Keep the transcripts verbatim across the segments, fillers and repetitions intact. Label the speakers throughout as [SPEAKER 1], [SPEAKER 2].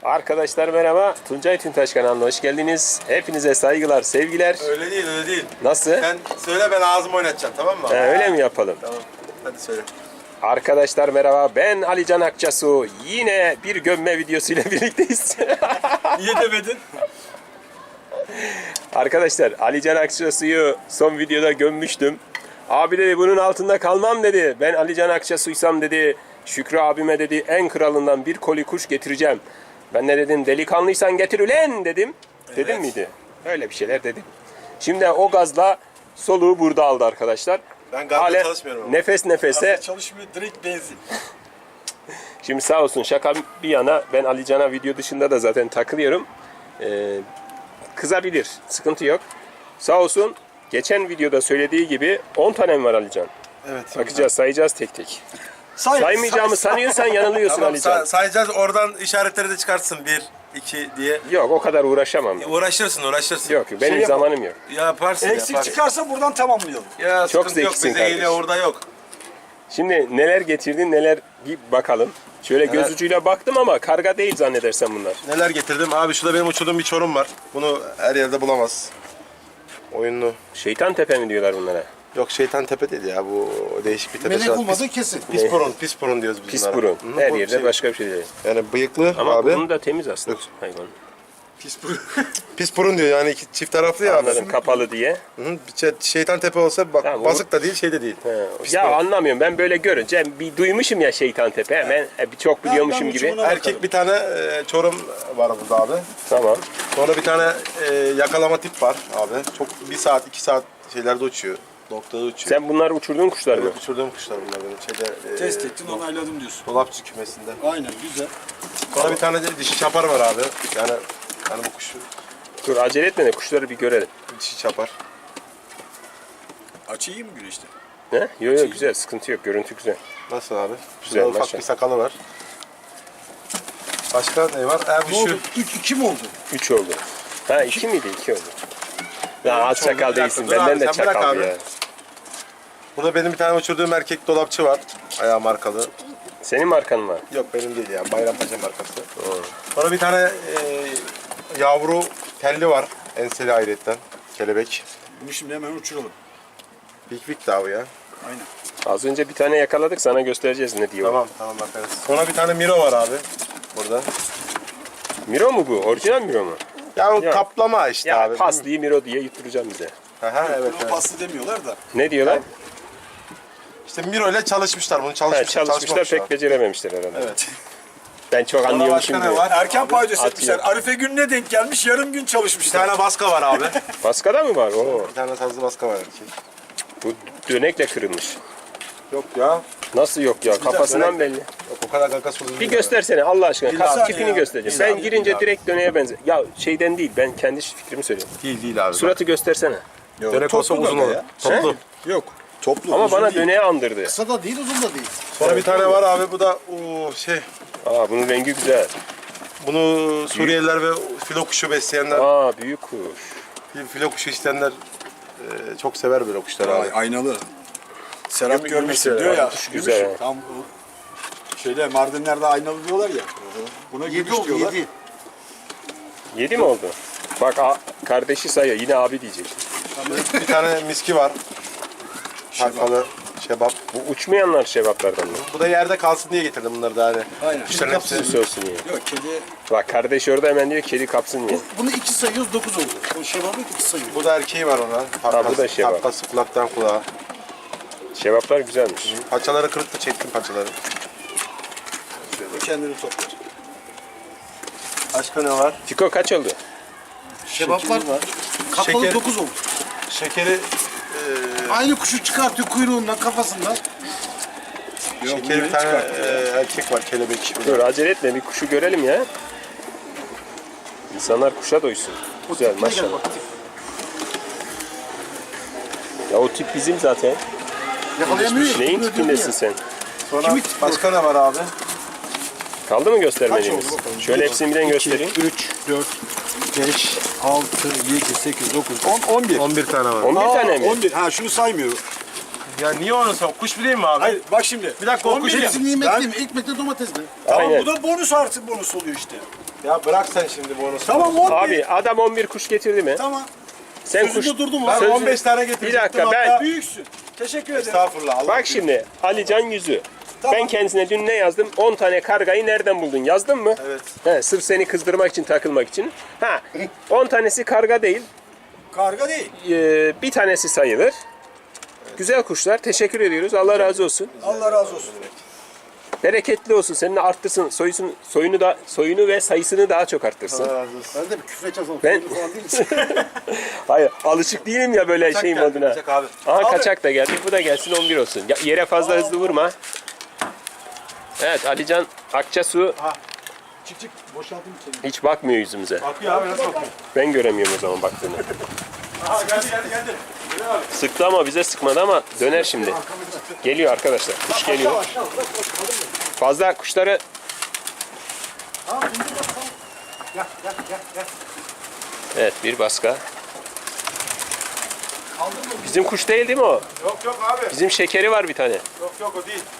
[SPEAKER 1] Arkadaşlar merhaba. Tuncay Tüntaş kanalına hoş geldiniz. Hepinize saygılar, sevgiler.
[SPEAKER 2] Öyle değil, öyle değil.
[SPEAKER 1] Nasıl?
[SPEAKER 2] Sen söyle, ben ağzımı oynatacağım, tamam mı?
[SPEAKER 1] He, öyle mi yapalım?
[SPEAKER 2] Tamam. Hadi söyle.
[SPEAKER 1] Arkadaşlar merhaba. Ben Alican Akçasu. Yine bir gömme videosuyla birlikteyiz.
[SPEAKER 2] Niye demedin?
[SPEAKER 1] Arkadaşlar Alican Akçasu'yu son videoda gömmüştüm. Abi dedi bunun altında kalmam dedi. Ben Alican Akçasu'ysam dedi. Şükrü abime dedi en kralından bir koli kuş getireceğim. Ben de dedim delikanlıysan getir ulen dedim. Dedim
[SPEAKER 2] Evet.
[SPEAKER 1] miydi? Öyle bir şeyler dedim. Şimdi o gazla soluğu burada aldı arkadaşlar.
[SPEAKER 2] Ben gazla
[SPEAKER 1] Hale
[SPEAKER 2] çalışmıyorum ama.
[SPEAKER 1] nefes nefese.
[SPEAKER 3] Çalışmıyor, direkt benzin.
[SPEAKER 1] Şimdi sağ olsun şaka bir yana ben Alican'a video dışında da zaten takılıyorum. Ee, kızabilir. Sıkıntı yok. Sağ olsun geçen videoda söylediği gibi on tanem var Alican.
[SPEAKER 2] Evet.
[SPEAKER 1] Bakacağız, sayacağız tek tek.
[SPEAKER 3] Say,
[SPEAKER 1] Saymayacağımı
[SPEAKER 3] say,
[SPEAKER 1] sanıyorsan yanılıyorsun
[SPEAKER 2] Tamam,
[SPEAKER 1] Alican.
[SPEAKER 2] say- sayacağız, oradan işaretleri de çıkartsın. Bir, iki diye.
[SPEAKER 1] Yok o kadar uğraşamam.
[SPEAKER 2] Uğraşırsın, uğraşırsın.
[SPEAKER 1] Yok benim
[SPEAKER 3] Şey
[SPEAKER 1] zamanım yok.
[SPEAKER 2] Yaparsın,
[SPEAKER 3] Eksik
[SPEAKER 2] yaparsın.
[SPEAKER 3] çıkarsa buradan tamamlayalım.
[SPEAKER 2] Ya
[SPEAKER 1] Çok
[SPEAKER 2] sıkıntı yok,
[SPEAKER 1] zekisin
[SPEAKER 2] bize
[SPEAKER 1] kardeşim.
[SPEAKER 2] geliyor, orada yok.
[SPEAKER 1] Şimdi neler getirdin neler bir bakalım. Şöyle
[SPEAKER 2] Neler?
[SPEAKER 1] göz ucuyla baktım ama karga değil zannedersem bunlar.
[SPEAKER 2] Neler getirdim? Abi şurada benim uçurduğum bir çorum var. Bunu her yerde bulamaz. Oyunlu.
[SPEAKER 1] Şeytan tepe mi diyorlar bunlara?
[SPEAKER 2] Yok, şeytan tepe değil ya, bu değişik bir tepe.
[SPEAKER 3] Melek olmadığı kesin.
[SPEAKER 2] Pis burun, pis burun diyoruz biz
[SPEAKER 1] Pis
[SPEAKER 2] bunlara.
[SPEAKER 1] burun.
[SPEAKER 2] Hı,
[SPEAKER 1] Her
[SPEAKER 2] bu
[SPEAKER 1] yerde
[SPEAKER 2] şey-
[SPEAKER 1] başka bir şey değil.
[SPEAKER 2] Yani bıyıklı
[SPEAKER 1] Ama
[SPEAKER 2] abi.
[SPEAKER 1] burnu da temiz aslında hayvan.
[SPEAKER 3] Pis burun.
[SPEAKER 2] Pis burun diyor yani, iki çift taraflı ya abi.
[SPEAKER 1] Anladım kapalı diye.
[SPEAKER 2] Hı hı, bir şey- şeytan tepe olsa bak,
[SPEAKER 1] Tamam,
[SPEAKER 2] basık da değil, şey de değil.
[SPEAKER 1] He.
[SPEAKER 2] Pis
[SPEAKER 1] Ya
[SPEAKER 2] burun.
[SPEAKER 1] anlamıyorum ben böyle görünce bir duymuşum ya şeytan tepe hemen e, bir çok biliyormuşum
[SPEAKER 3] ben
[SPEAKER 1] gibi.
[SPEAKER 3] uçumuna-
[SPEAKER 2] Erkek bir tane e, çorum var burada abi.
[SPEAKER 1] Tamam.
[SPEAKER 2] Sonra bir tane e, yakalama tip var abi. Çok bir saat, iki saat şeylerde uçuyor. Noktada uçuyor.
[SPEAKER 1] Sen bunlar uçurduğun kuşlar mı?
[SPEAKER 2] Evet, uçurduğum kuşlar bunlar benim. Şeyde, e,
[SPEAKER 3] Test ettin, onayladım diyorsun.
[SPEAKER 2] dolapçı kümesinde.
[SPEAKER 3] Aynen, güzel.
[SPEAKER 2] Sonra bir tane de dişi çapar var abi. Yani yani bu kuşu
[SPEAKER 1] Dur acele etme de kuşları bir görelim.
[SPEAKER 2] dişi çapar.
[SPEAKER 3] Açı iyi mi güneşte?
[SPEAKER 1] Ne? Yok yok güzel sıkıntı yok görüntü güzel.
[SPEAKER 2] Nasıl abi?
[SPEAKER 1] Güzel,
[SPEAKER 2] Şurada ufak
[SPEAKER 1] maşallah.
[SPEAKER 2] bir sakalı var. Başka ne var? Abi
[SPEAKER 3] Ne
[SPEAKER 2] şu
[SPEAKER 3] oldu? Üç, iki mi oldu?
[SPEAKER 1] Üç oldu. Ha iki miydi? İki oldu. Ya az
[SPEAKER 2] Üç oldu.
[SPEAKER 1] çakal
[SPEAKER 2] Bir dakika,
[SPEAKER 1] değilsin
[SPEAKER 2] dur
[SPEAKER 1] benden
[SPEAKER 2] abi,
[SPEAKER 1] de
[SPEAKER 2] sen bırak
[SPEAKER 1] çakal
[SPEAKER 2] abi.
[SPEAKER 1] ya.
[SPEAKER 2] burada benim bir tane uçurduğum erkek dolapçı var. Ayağı markalı.
[SPEAKER 1] Senin markan var.
[SPEAKER 2] Yok benim değil ya. Bayrampaşa markası. Sonra bir tane e, yavru telli var. Enseli ayrıyetten. Kelebek.
[SPEAKER 3] Bunu şimdi hemen uçuralım.
[SPEAKER 2] Big Big daha bu ya.
[SPEAKER 3] Aynen.
[SPEAKER 1] Az önce bir tane yakaladık sana göstereceğiz ne diyor.
[SPEAKER 2] Tamam tamam bakarız. Sonra bir tane Miro var abi. Burada.
[SPEAKER 1] Miro mu bu? Orijinal Miro mu?
[SPEAKER 2] Ya o
[SPEAKER 1] Ya.
[SPEAKER 2] kaplama işte
[SPEAKER 1] Ya
[SPEAKER 2] abi.
[SPEAKER 1] pasliyi Miro diye yutturacağım bize.
[SPEAKER 2] Aha, evet,
[SPEAKER 3] Buna
[SPEAKER 2] evet.
[SPEAKER 3] paslı demiyorlar da.
[SPEAKER 1] Ne diyorlar?
[SPEAKER 2] İşte Miro ile çalışmışlar bunu.
[SPEAKER 1] Ha,
[SPEAKER 2] Çalışmışlar.
[SPEAKER 1] çalışmışlar pek becerememişler herhalde.
[SPEAKER 2] Evet.
[SPEAKER 1] Ben çok
[SPEAKER 2] Sonra
[SPEAKER 1] anlıyormuşum
[SPEAKER 2] başka ne
[SPEAKER 1] diye.
[SPEAKER 2] var?
[SPEAKER 3] Erken paydos etmişler.
[SPEAKER 1] atıyor.
[SPEAKER 3] Arife gününe denk gelmiş, yarım gün
[SPEAKER 2] Bir
[SPEAKER 3] çalışmışlar.
[SPEAKER 2] tane baska var abi.
[SPEAKER 1] Baskada mı var? Oo,
[SPEAKER 2] bir tane sazlı baska var erkek.
[SPEAKER 1] bu dönekle kırılmış.
[SPEAKER 2] Yok ya.
[SPEAKER 1] Nasıl yok ya? Kafasından belli.
[SPEAKER 2] Yok o kadar kakası uzun
[SPEAKER 1] Bir
[SPEAKER 2] değil.
[SPEAKER 1] göstersene Allah aşkına.
[SPEAKER 2] Bir
[SPEAKER 1] Kas
[SPEAKER 2] saniye
[SPEAKER 1] tipini
[SPEAKER 2] ya.
[SPEAKER 1] göstereceğim.
[SPEAKER 2] Bir
[SPEAKER 1] Ben
[SPEAKER 2] saniye
[SPEAKER 1] girince
[SPEAKER 2] abi.
[SPEAKER 1] direkt döneğe benzer. Ya şeyden değil. Ben kendi fikrimi söylüyorum.
[SPEAKER 2] Değil değil abi.
[SPEAKER 1] Suratı göstersene.
[SPEAKER 3] Yok,
[SPEAKER 2] Dönek olsa
[SPEAKER 3] toplu
[SPEAKER 2] uzun
[SPEAKER 3] böyle
[SPEAKER 2] olur.
[SPEAKER 3] ya.
[SPEAKER 2] Toplu.
[SPEAKER 3] Yok. Toplu.
[SPEAKER 1] Ama
[SPEAKER 3] uzun
[SPEAKER 1] bana
[SPEAKER 3] değil.
[SPEAKER 1] döneğe andırdı.
[SPEAKER 3] Kısa da değil, uzun da değil.
[SPEAKER 2] Sonra bir tane var abi, bu da o şey.
[SPEAKER 1] Aa bunun rengi güzel.
[SPEAKER 2] Bunu Suriyeliler ve filo kuşu besleyenler,
[SPEAKER 1] Aa büyük kuş.
[SPEAKER 2] filo kuşu isteyenler e, çok sever böyle kuşlar abi.
[SPEAKER 3] Ay, aynalı. Serap
[SPEAKER 2] Gümüş-
[SPEAKER 3] görmüşsün
[SPEAKER 2] gümüş
[SPEAKER 3] diyor ya.
[SPEAKER 1] kuş
[SPEAKER 3] Gümüş.
[SPEAKER 1] güzel ha.
[SPEAKER 3] Tam bu şeyde Mardinler'de aynalı diyorlar ya. Buna gümüş diyorlar.
[SPEAKER 1] Yedi mi oldu? Bak a- kardeşi sayıyor. Yine abi diyecek.
[SPEAKER 2] Bir tane miski var. Harfalı şebap.
[SPEAKER 1] Bu uçmayanlar şevaplardan mı?
[SPEAKER 2] Bu da yerde kalsın diye getirdim bunları da hani.
[SPEAKER 3] Aynen.
[SPEAKER 2] Kuşların hepsi.
[SPEAKER 1] Süs olsun ya.
[SPEAKER 3] Yok, kedi.
[SPEAKER 1] Bak kardeş orada hemen diyor kedi kapsın diye.
[SPEAKER 4] Bunu iki sayıyoruz, dokuz oldu. O şebabı iki sayıyoruz.
[SPEAKER 2] Bu da erkeği var ona.
[SPEAKER 1] Ha, bu da şebap.
[SPEAKER 2] Takkası kulaktan kulağa.
[SPEAKER 1] Şevaplar güzelmiş.
[SPEAKER 2] Paçaları kırıktı, çektim paçaları.
[SPEAKER 3] O kendini toplar.
[SPEAKER 2] Başka ne var?
[SPEAKER 1] Fiko kaç oldu?
[SPEAKER 4] Şebaplar kapalı
[SPEAKER 2] Şeker.
[SPEAKER 4] dokuz oldu.
[SPEAKER 2] Şekeri
[SPEAKER 4] Aynı kuşu çıkartıyor kuyruğundan, kafasından.
[SPEAKER 2] Şekeri bir tane e, erkek var, kelebek.
[SPEAKER 1] Dur acele etme bir kuşu görelim ya. İnsanlar kuşa doysun. Güzel maşallah. Ya o tip bizim zaten.
[SPEAKER 4] Yakalayamıyor.
[SPEAKER 1] Neyin
[SPEAKER 4] Bunu
[SPEAKER 1] tipindesin
[SPEAKER 4] öldürdü
[SPEAKER 1] sen?
[SPEAKER 2] Sonra
[SPEAKER 4] Kimi-
[SPEAKER 2] başka ne var abi?
[SPEAKER 1] Kaldı mı göstermediğimiz?
[SPEAKER 3] Kaç oldu bakalım?
[SPEAKER 1] Şöyle hepsini birden göstereyim.
[SPEAKER 3] üç, dört, beş, altı, yedi, sekiz, dokuz, on, on bir.
[SPEAKER 2] on bir tane var.
[SPEAKER 1] on bir tane mi?
[SPEAKER 3] on bir. Ha şunu saymıyorum.
[SPEAKER 2] Ya niye onu sor? Kuş bileyim mi abi?
[SPEAKER 3] Hayır bak şimdi.
[SPEAKER 2] Bir dakika, o
[SPEAKER 3] on bir
[SPEAKER 2] kuş
[SPEAKER 3] ya.
[SPEAKER 4] Hepsi nimetli mi? Ekmekle domatesli.
[SPEAKER 3] Tamam
[SPEAKER 1] Aynen.
[SPEAKER 3] bu da bonus artı bonus oluyor işte.
[SPEAKER 2] Ya bırak sen şimdi bu onu.
[SPEAKER 4] Tamam on bir.
[SPEAKER 1] Abi adam on bir kuş getirdi mi?
[SPEAKER 4] Tamam.
[SPEAKER 1] Sen
[SPEAKER 4] Sözünde
[SPEAKER 1] kuş...
[SPEAKER 4] durdum
[SPEAKER 2] Ben
[SPEAKER 4] abi.
[SPEAKER 1] Sözü-
[SPEAKER 2] on beş tane
[SPEAKER 1] Bir
[SPEAKER 2] getirecektim.
[SPEAKER 1] dakika ben...
[SPEAKER 2] hatta-
[SPEAKER 4] Büyüksün. Teşekkür ederim.
[SPEAKER 2] Estağfurullah. Allah
[SPEAKER 1] Bak şimdi Alican Yüzü.
[SPEAKER 4] Tamam.
[SPEAKER 1] Ben kendisine dün ne yazdım? on tane kargayı nereden buldun? Yazdın mı?
[SPEAKER 2] Evet.
[SPEAKER 1] He, sırf seni kızdırmak için, takılmak için. Ha, on tanesi karga değil.
[SPEAKER 4] Karga değil.
[SPEAKER 1] Ee, bir tanesi sayılır. Güzel kuşlar. Teşekkür ediyoruz. Allah razı olsun.
[SPEAKER 4] Allah razı olsun.
[SPEAKER 1] Bereketli olsun. Senin de arttırsın. Soyusun, soyunu da soyunu ve sayısını daha çok arttırsın.
[SPEAKER 2] razı olsun.
[SPEAKER 4] Ben de bir küfür edeceğim.
[SPEAKER 1] Ben-
[SPEAKER 4] Ben... falan değil.
[SPEAKER 1] Hayır, alışık değilim ya böyle
[SPEAKER 2] Kaçak
[SPEAKER 1] şeyim
[SPEAKER 2] geldi,
[SPEAKER 1] moduna.
[SPEAKER 2] kaçak abi.
[SPEAKER 1] Aha
[SPEAKER 4] Abi.
[SPEAKER 1] kaçak da geldi. Bu da gelsin on bir olsun. Ya, yere fazla hızlı vurma. Evet, Alican Akçasu
[SPEAKER 4] Çık çık. Boşaltayım seni.
[SPEAKER 1] hiç bakmıyor yüzümüze.
[SPEAKER 2] Bakıyor abi nasıl bakıyor?
[SPEAKER 1] Ben göremiyorum o zaman baktığını.
[SPEAKER 2] Aha geldi geldi geldi. Gel abi.
[SPEAKER 1] Sıktı ama bize sıkmadı ama döner şimdi. Geliyor arkadaşlar. Kuş geliyor.
[SPEAKER 4] Aşağı uzak koş. Kalın mı?
[SPEAKER 1] Fazla kuşları
[SPEAKER 4] Tamam indir bak tamam. Gel gel gel gel.
[SPEAKER 1] evet bir baska.
[SPEAKER 4] Kaldın mı?
[SPEAKER 1] Bizim kuş değil değil mi o?
[SPEAKER 2] Yok yok abi.
[SPEAKER 1] Bizim şekeri var bir tane.
[SPEAKER 2] Yok yok o değil.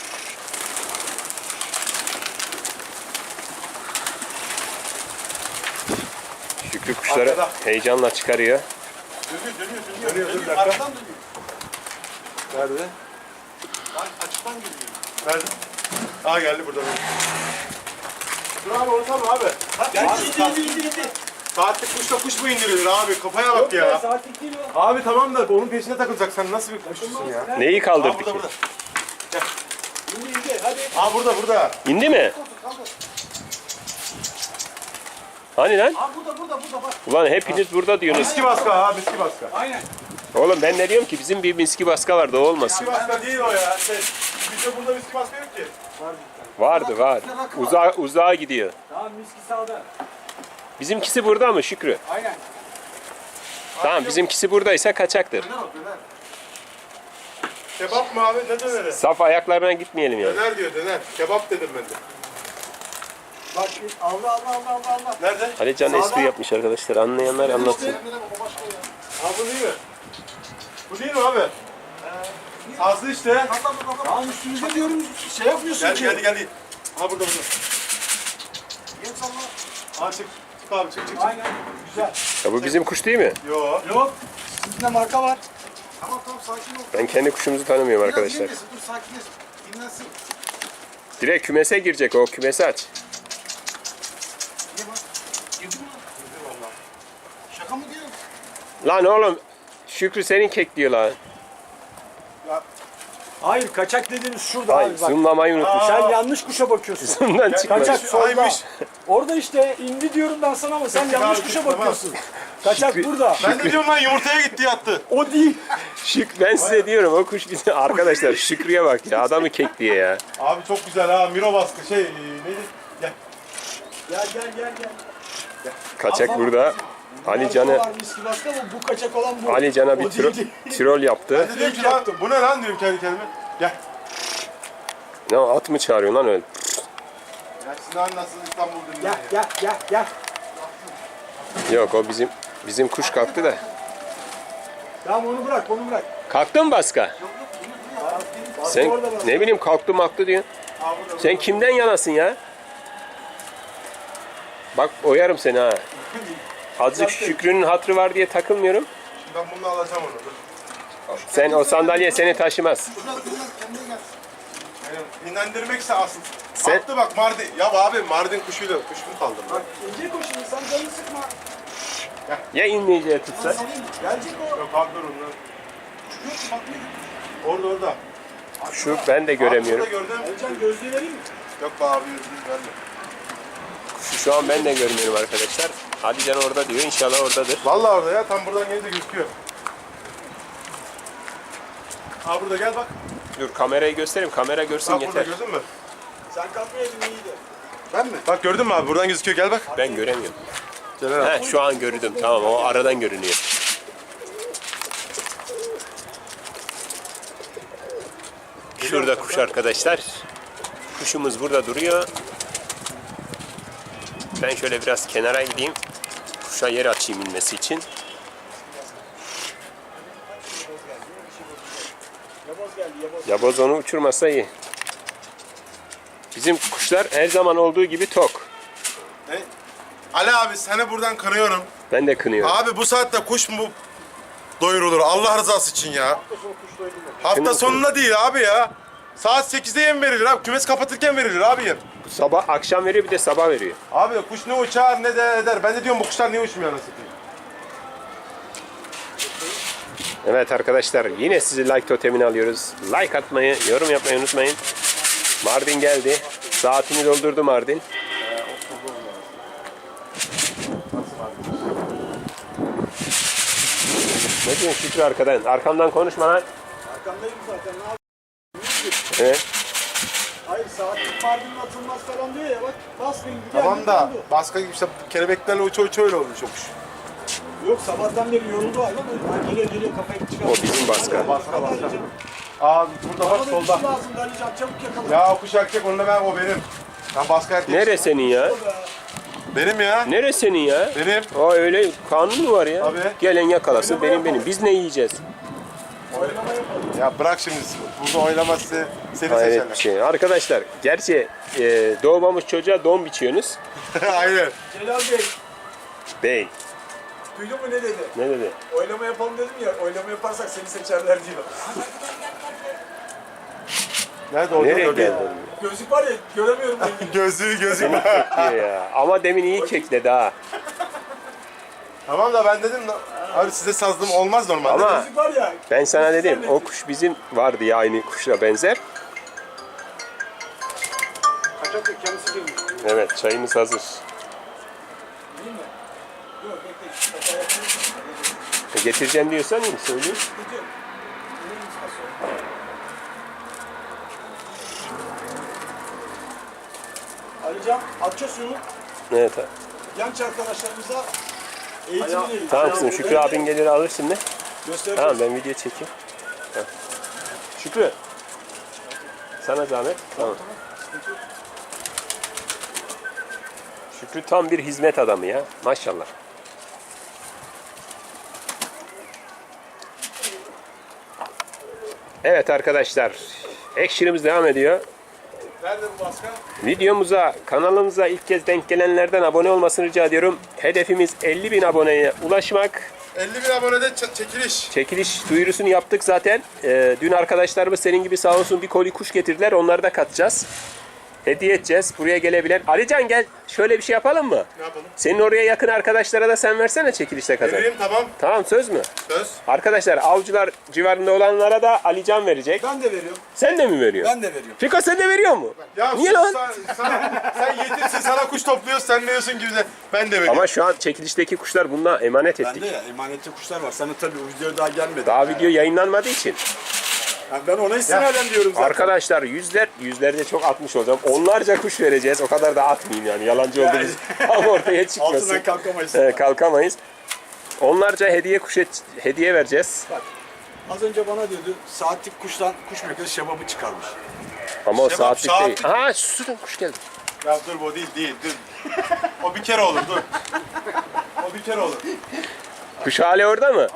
[SPEAKER 1] Şükrü kuşları
[SPEAKER 2] Arkada.
[SPEAKER 1] heyecanla çıkarıyor.
[SPEAKER 4] Dönüyor dönüyor dönüyor.
[SPEAKER 2] Dönüyor, dur bir dakika.
[SPEAKER 4] Arkadan dönüyor.
[SPEAKER 2] Nerede?
[SPEAKER 4] Bak açıktan geliyor.
[SPEAKER 2] Nerede? Aa geldi burada. Dur abi unutalım abi.
[SPEAKER 4] Gel indi indi indi indi.
[SPEAKER 2] Saatlik kuşla kuş mu indirilir abi? Kafaya bak ya.
[SPEAKER 4] Saatlik değil o.
[SPEAKER 2] Abi tamam da onun peşine takılacak. Sen nasıl bir kuşsun ya?
[SPEAKER 1] Neyi
[SPEAKER 2] Aa
[SPEAKER 1] kaldırdı
[SPEAKER 2] burada
[SPEAKER 1] ki?
[SPEAKER 2] burada.
[SPEAKER 4] İndi indi hadi.
[SPEAKER 2] Aa burada burada.
[SPEAKER 1] İndi mi? Hani lan?
[SPEAKER 4] Aa burada burada burada bak.
[SPEAKER 1] Ulan hepiniz burada diyorsunuz.
[SPEAKER 2] Miski baska ha miski baska.
[SPEAKER 4] Aynen.
[SPEAKER 1] Oğlum ben ne diyorum ki bizim bir miski baska vardı o olmasın.
[SPEAKER 2] Miski baska değil o ya. Şey, bizde burada miski baska yok ki.
[SPEAKER 1] Vardı var. Uzağa, uzağa gidiyor.
[SPEAKER 4] Tamam miski sağda.
[SPEAKER 1] Bizimkisi burada mı Şükrü?
[SPEAKER 4] Aynen.
[SPEAKER 1] Tamam bizimkisi buradaysa kaçaktır.
[SPEAKER 4] Döner o döner.
[SPEAKER 2] Kebap mı abi? Ne döneri?
[SPEAKER 1] Saf ayaklarına gitmeyelim yani.
[SPEAKER 2] Döner diyor döner. Kebap dedim ben de.
[SPEAKER 4] Bak Allah Allah Allah Allah Allah.
[SPEAKER 2] Nerede?
[SPEAKER 1] Alican espri yapmış arkadaşlar. Anlayanlar anlatsın.
[SPEAKER 4] O başka ya.
[SPEAKER 2] Ha bu değil mi? Bu değil mi abi? Sazlı işte.
[SPEAKER 4] Tamam üstümüzde diyorum şey yapmıyorsun
[SPEAKER 2] Geldi
[SPEAKER 4] ki.
[SPEAKER 2] geldi geldi. Ha burada burada.
[SPEAKER 4] Gel salla.
[SPEAKER 2] Ha çık. Çık abi çık çık çık.
[SPEAKER 4] Aynen. Güzel.
[SPEAKER 1] Ya bu bizim kuş değil mi?
[SPEAKER 2] Yo.
[SPEAKER 4] Yok. Sizde marka var. Tamam tamam sakin ol.
[SPEAKER 1] Ben kendi kuşumuzu tanımıyorum
[SPEAKER 4] Biraz
[SPEAKER 1] arkadaşlar.
[SPEAKER 4] dinlesin, dur sakinleşsin. Dinlensin.
[SPEAKER 1] Direkt kümese girecek o. Kümesi aç.
[SPEAKER 4] Niye bak? Girdin mi? Şaka mı diyorsun?
[SPEAKER 1] Lan oğlum Şükrü senin kek diyor lan.
[SPEAKER 5] Hayır kaçak dediğiniz şurada
[SPEAKER 1] Ay
[SPEAKER 5] abi bak.
[SPEAKER 1] zoomlamayı unutmuş.
[SPEAKER 5] Sen yanlış kuşa bakıyorsun.
[SPEAKER 1] Zoom'dan çıkmadı.
[SPEAKER 5] Kaçak solda.
[SPEAKER 2] Aymış.
[SPEAKER 5] Orada işte indi diyorum ben sana ama sen yanlış kuşa
[SPEAKER 2] tamam.
[SPEAKER 5] bakıyorsun. Kaçak burada.
[SPEAKER 2] Ben de diyorum lan yumurtaya gitti yattı.
[SPEAKER 5] O değil.
[SPEAKER 1] Şük ben size diyorum o kuş bizim arkadaşlar Şükrü'ye bak ya adamı kek diye ya.
[SPEAKER 2] Abi çok güzel ha. Miro baskı şey e, neydi? Gel.
[SPEAKER 5] Gel gel gel gel.
[SPEAKER 1] Kaçak burada. Ali Can'ı
[SPEAKER 5] Var miski başka ama bu kaçak olan bu.
[SPEAKER 1] Ali Can'a bir
[SPEAKER 5] O
[SPEAKER 1] tro-
[SPEAKER 5] değil.
[SPEAKER 1] trol yaptı.
[SPEAKER 2] Ben de diyorum ki lan bu ne lan diyorum kendi kendime. Gel.
[SPEAKER 1] Ne o, at mı çağırıyor lan öyle?
[SPEAKER 2] Ya Sinan nasıl İstanbul dinliyor?
[SPEAKER 5] Gel gel gel gel.
[SPEAKER 1] Yok o bizim bizim kuş kalktı da.
[SPEAKER 5] Tamam onu bırak onu bırak.
[SPEAKER 1] Kalktı mı Baska? Sen
[SPEAKER 5] orada bak.
[SPEAKER 1] ne bileyim kalktı maktı diyorsun. Sen kimden yanasın ya? Bak oyarım seni ha. Azıcık Şükrü'nün hatırı var diye takılmıyorum.
[SPEAKER 2] Şimdi ben bunu alacağım onu. Dur.
[SPEAKER 1] Sen o sandalye seni taşımaz.
[SPEAKER 4] Dur lan dur lan kendine gel.
[SPEAKER 2] Yani dinlendirmekse asıl.
[SPEAKER 1] Sen-
[SPEAKER 2] Baktı bak Mardin. Ya abi Mardin kuşuyla kuş mu kaldı?
[SPEAKER 5] Bak inecek o şimdi sen canını sıkma.
[SPEAKER 1] Ya inmeyeceği tutsa?
[SPEAKER 5] Gelecek o.
[SPEAKER 2] Yok abi dur ondan.
[SPEAKER 4] Yok bak ne?
[SPEAKER 2] Orada orada.
[SPEAKER 1] Şu ben de göremiyorum.
[SPEAKER 2] Abi şurada gördüm.
[SPEAKER 5] Alican gözlüğü vereyim mi?
[SPEAKER 2] Yok be abi yüzünü verme.
[SPEAKER 1] Kuşu şu an ben de görmüyorum arkadaşlar. Ali Can orada diyor. İnşallah oradadır.
[SPEAKER 2] Vallahi orada ya tam buradan gelince gözüküyor. Abi burada gel bak.
[SPEAKER 1] Dur kamerayı göstereyim. Kamera görsün
[SPEAKER 2] Bak burada
[SPEAKER 1] yeter.
[SPEAKER 2] gördün mü?
[SPEAKER 5] Sen kalkmayaydın iyiydi.
[SPEAKER 4] Ben mi?
[SPEAKER 2] Bak gördün mü abi buradan gözüküyor gel bak.
[SPEAKER 1] Ben göremiyorum.
[SPEAKER 2] Celal abi.
[SPEAKER 1] He şu an gördüm. Tamam o aradan görünüyor. Şurada kuş arkadaşlar. Kuşumuz burada duruyor. Ben şöyle biraz kenara gideyim. Kuşa yer açayım inmesi için. Yaboz onu uçurmasa iyi. Bizim kuşlar her zaman olduğu gibi tok.
[SPEAKER 2] Ne? Ali abi seni buradan kınıyorum.
[SPEAKER 1] Ben de kınıyorum.
[SPEAKER 2] Abi bu saatte kuş mu doyurulur Allah rızası için ya?
[SPEAKER 4] Hafta sonu kuş doyurulur.
[SPEAKER 2] Hafta sonunda değil abi ya. Saat sekizde yem verilir abi. Kümes kapatırken verilir abi yem.
[SPEAKER 1] Sabah akşam veriyor bir de sabah veriyor.
[SPEAKER 2] Abi kuş ne uçar ne de eder. Ben de diyorum bu kuşlar niye uçmuyor anasını satayım.
[SPEAKER 1] Evet arkadaşlar yine sizi like totemini alıyoruz. Like atmayı, yorum yapmayı unutmayın. Mardin geldi. Saatini doldurdu Mardin. Ne diyorsun Şükrü arkadan? Arkamdan konuşma lan.
[SPEAKER 5] Arkandayım zaten. Ne yapayım?
[SPEAKER 1] Evet.
[SPEAKER 5] Hayır saatlik Mardin'in atılmaz falan diyor ya bak. Basmayın.
[SPEAKER 2] Tamam da başka gibi işte kelebeklerle uça uça öyle olmuş o kuş.
[SPEAKER 5] Yok sabahtan beri yoruldu hayvan. Ha, geliyor geliyor kafayı çıkar.
[SPEAKER 1] O bizim baska.
[SPEAKER 2] Baska baska. Abi burada bak
[SPEAKER 5] Bana da
[SPEAKER 2] solda.
[SPEAKER 5] dişi lazım Alican çabuk yakala.
[SPEAKER 2] Ya o kuş erkek onunla ben o benim. Ben baska erkek.
[SPEAKER 1] Nere senin ya?
[SPEAKER 2] Benim ya.
[SPEAKER 1] Nere senin ya?
[SPEAKER 2] Benim.
[SPEAKER 1] Aa öyle kanun mu var ya?
[SPEAKER 2] Tabii.
[SPEAKER 1] Gelen yakalasın benim benim. Biz ne yiyeceğiz?
[SPEAKER 2] Ya bırak şimdi burada oynaması seni
[SPEAKER 1] Hayret
[SPEAKER 2] seçerler.
[SPEAKER 1] bir şey. Arkadaşlar gerçi e, doğmamış çocuğa don biçiyorsunuz.
[SPEAKER 2] Aynen.
[SPEAKER 5] Celal Bey
[SPEAKER 1] Bey.
[SPEAKER 5] duydun mu ne dedi?
[SPEAKER 1] Ne dedi?
[SPEAKER 5] Oylama yapalım dedim ya. Oylama yaparsak seni seçerler diyor.
[SPEAKER 2] Nerede o?
[SPEAKER 1] Nereye
[SPEAKER 2] Orada.
[SPEAKER 1] geldin?
[SPEAKER 5] Gözlük var ya göremiyorum rengini.
[SPEAKER 2] Gözlüğü gözlüğü.
[SPEAKER 1] Seni kekliyor ya. Ama demin iyi kekledi ha.
[SPEAKER 2] Tamam da ben dedim abi size sazlım olmaz normalde.
[SPEAKER 1] Ama
[SPEAKER 5] Gözlük var ya.
[SPEAKER 1] ben sana dedim o kuş bizim vardı ya aynı kuşla benzer.
[SPEAKER 4] Kaçak yok kendisi girmiş.
[SPEAKER 1] Evet çayımız hazır.
[SPEAKER 5] Değil mi? Yok bekle. Hata yapıyorsun.
[SPEAKER 1] E, getireceğim diyorsan iyi söyleyeyim.
[SPEAKER 5] Gideceğim. Neyin istasyonu? Alican atça suyunu
[SPEAKER 1] Evet abi.
[SPEAKER 5] genç arkadaşlarımıza eğitimini verin.
[SPEAKER 1] Tamam kızım Şükrü abin gelir alır şimdi.
[SPEAKER 5] Göstereceğiz.
[SPEAKER 1] Tamam ben video çekeyim. Ha. Şükrü. Sana zahmet. Tamam. Şükrü tam bir hizmet adamı ya. Maşallah. Evet arkadaşlar. Action'ımız devam ediyor.
[SPEAKER 2] Nerede bu baska?
[SPEAKER 1] Videomuza, kanalımıza ilk kez denk gelenlerden abone olmasını rica ediyorum. Hedefimiz elli bin aboneye ulaşmak.
[SPEAKER 2] elli bin abonede ç- çekiliş.
[SPEAKER 1] Çekiliş duyurusunu yaptık zaten. Ee, dün arkadaşlarımız senin gibi sağ olsun bir koli kuş getirdiler. Onları da katacağız. Hediye edeceğiz. Buraya gelebilen. Alican gel şöyle bir şey yapalım mı?
[SPEAKER 2] Ne yapalım?
[SPEAKER 1] Senin oraya yakın arkadaşlara da sen versene çekilişte kazan.
[SPEAKER 2] Vereyim tamam.
[SPEAKER 1] Tamam söz mü?
[SPEAKER 2] Söz.
[SPEAKER 1] Arkadaşlar avcılar civarında olanlara da Alican verecek.
[SPEAKER 5] Ben de veriyorum.
[SPEAKER 1] Sen de mi veriyorsun?
[SPEAKER 5] Ben de veriyorum.
[SPEAKER 1] Fiko sen de veriyor mu?
[SPEAKER 2] Ya
[SPEAKER 1] Niye
[SPEAKER 2] sus,
[SPEAKER 1] lan?
[SPEAKER 2] Sen, sana, sen yetimsin sana kuş topluyoruz sen diyorsun gibi de ben de veriyorum.
[SPEAKER 1] Ama şu an çekilişteki kuşlar bununla emanet ettik.
[SPEAKER 3] Bende ya emanetli kuşlar var. Sana tabii o video daha gelmedi.
[SPEAKER 1] Daha video yayınlanmadığı için.
[SPEAKER 3] Yani ben ona istinaden diyorum zaten.
[SPEAKER 1] Arkadaşlar yüzler, yüzlerde çok atmış olacağım. Onlarca kuş vereceğiz. O kadar da atmayayım yani. Yalancı olduğumuz ama ortaya çıkmasın.
[SPEAKER 3] Altından kalkamayız.
[SPEAKER 1] Evet, kalkamayız. Onlarca hediye kuş et- hediye vereceğiz.
[SPEAKER 3] Az önce bana diyordu saatlik kuştan kuş makinesi şebabı çıkarmış.
[SPEAKER 1] Ama o
[SPEAKER 2] Şebap,
[SPEAKER 1] saatlik değil.
[SPEAKER 2] saatlik.
[SPEAKER 1] Aha susun kuş geldi.
[SPEAKER 2] Ya dur bu değil değil dur. O bir kere olur dur. O bir kere olur.
[SPEAKER 1] Kuş hali orada mı?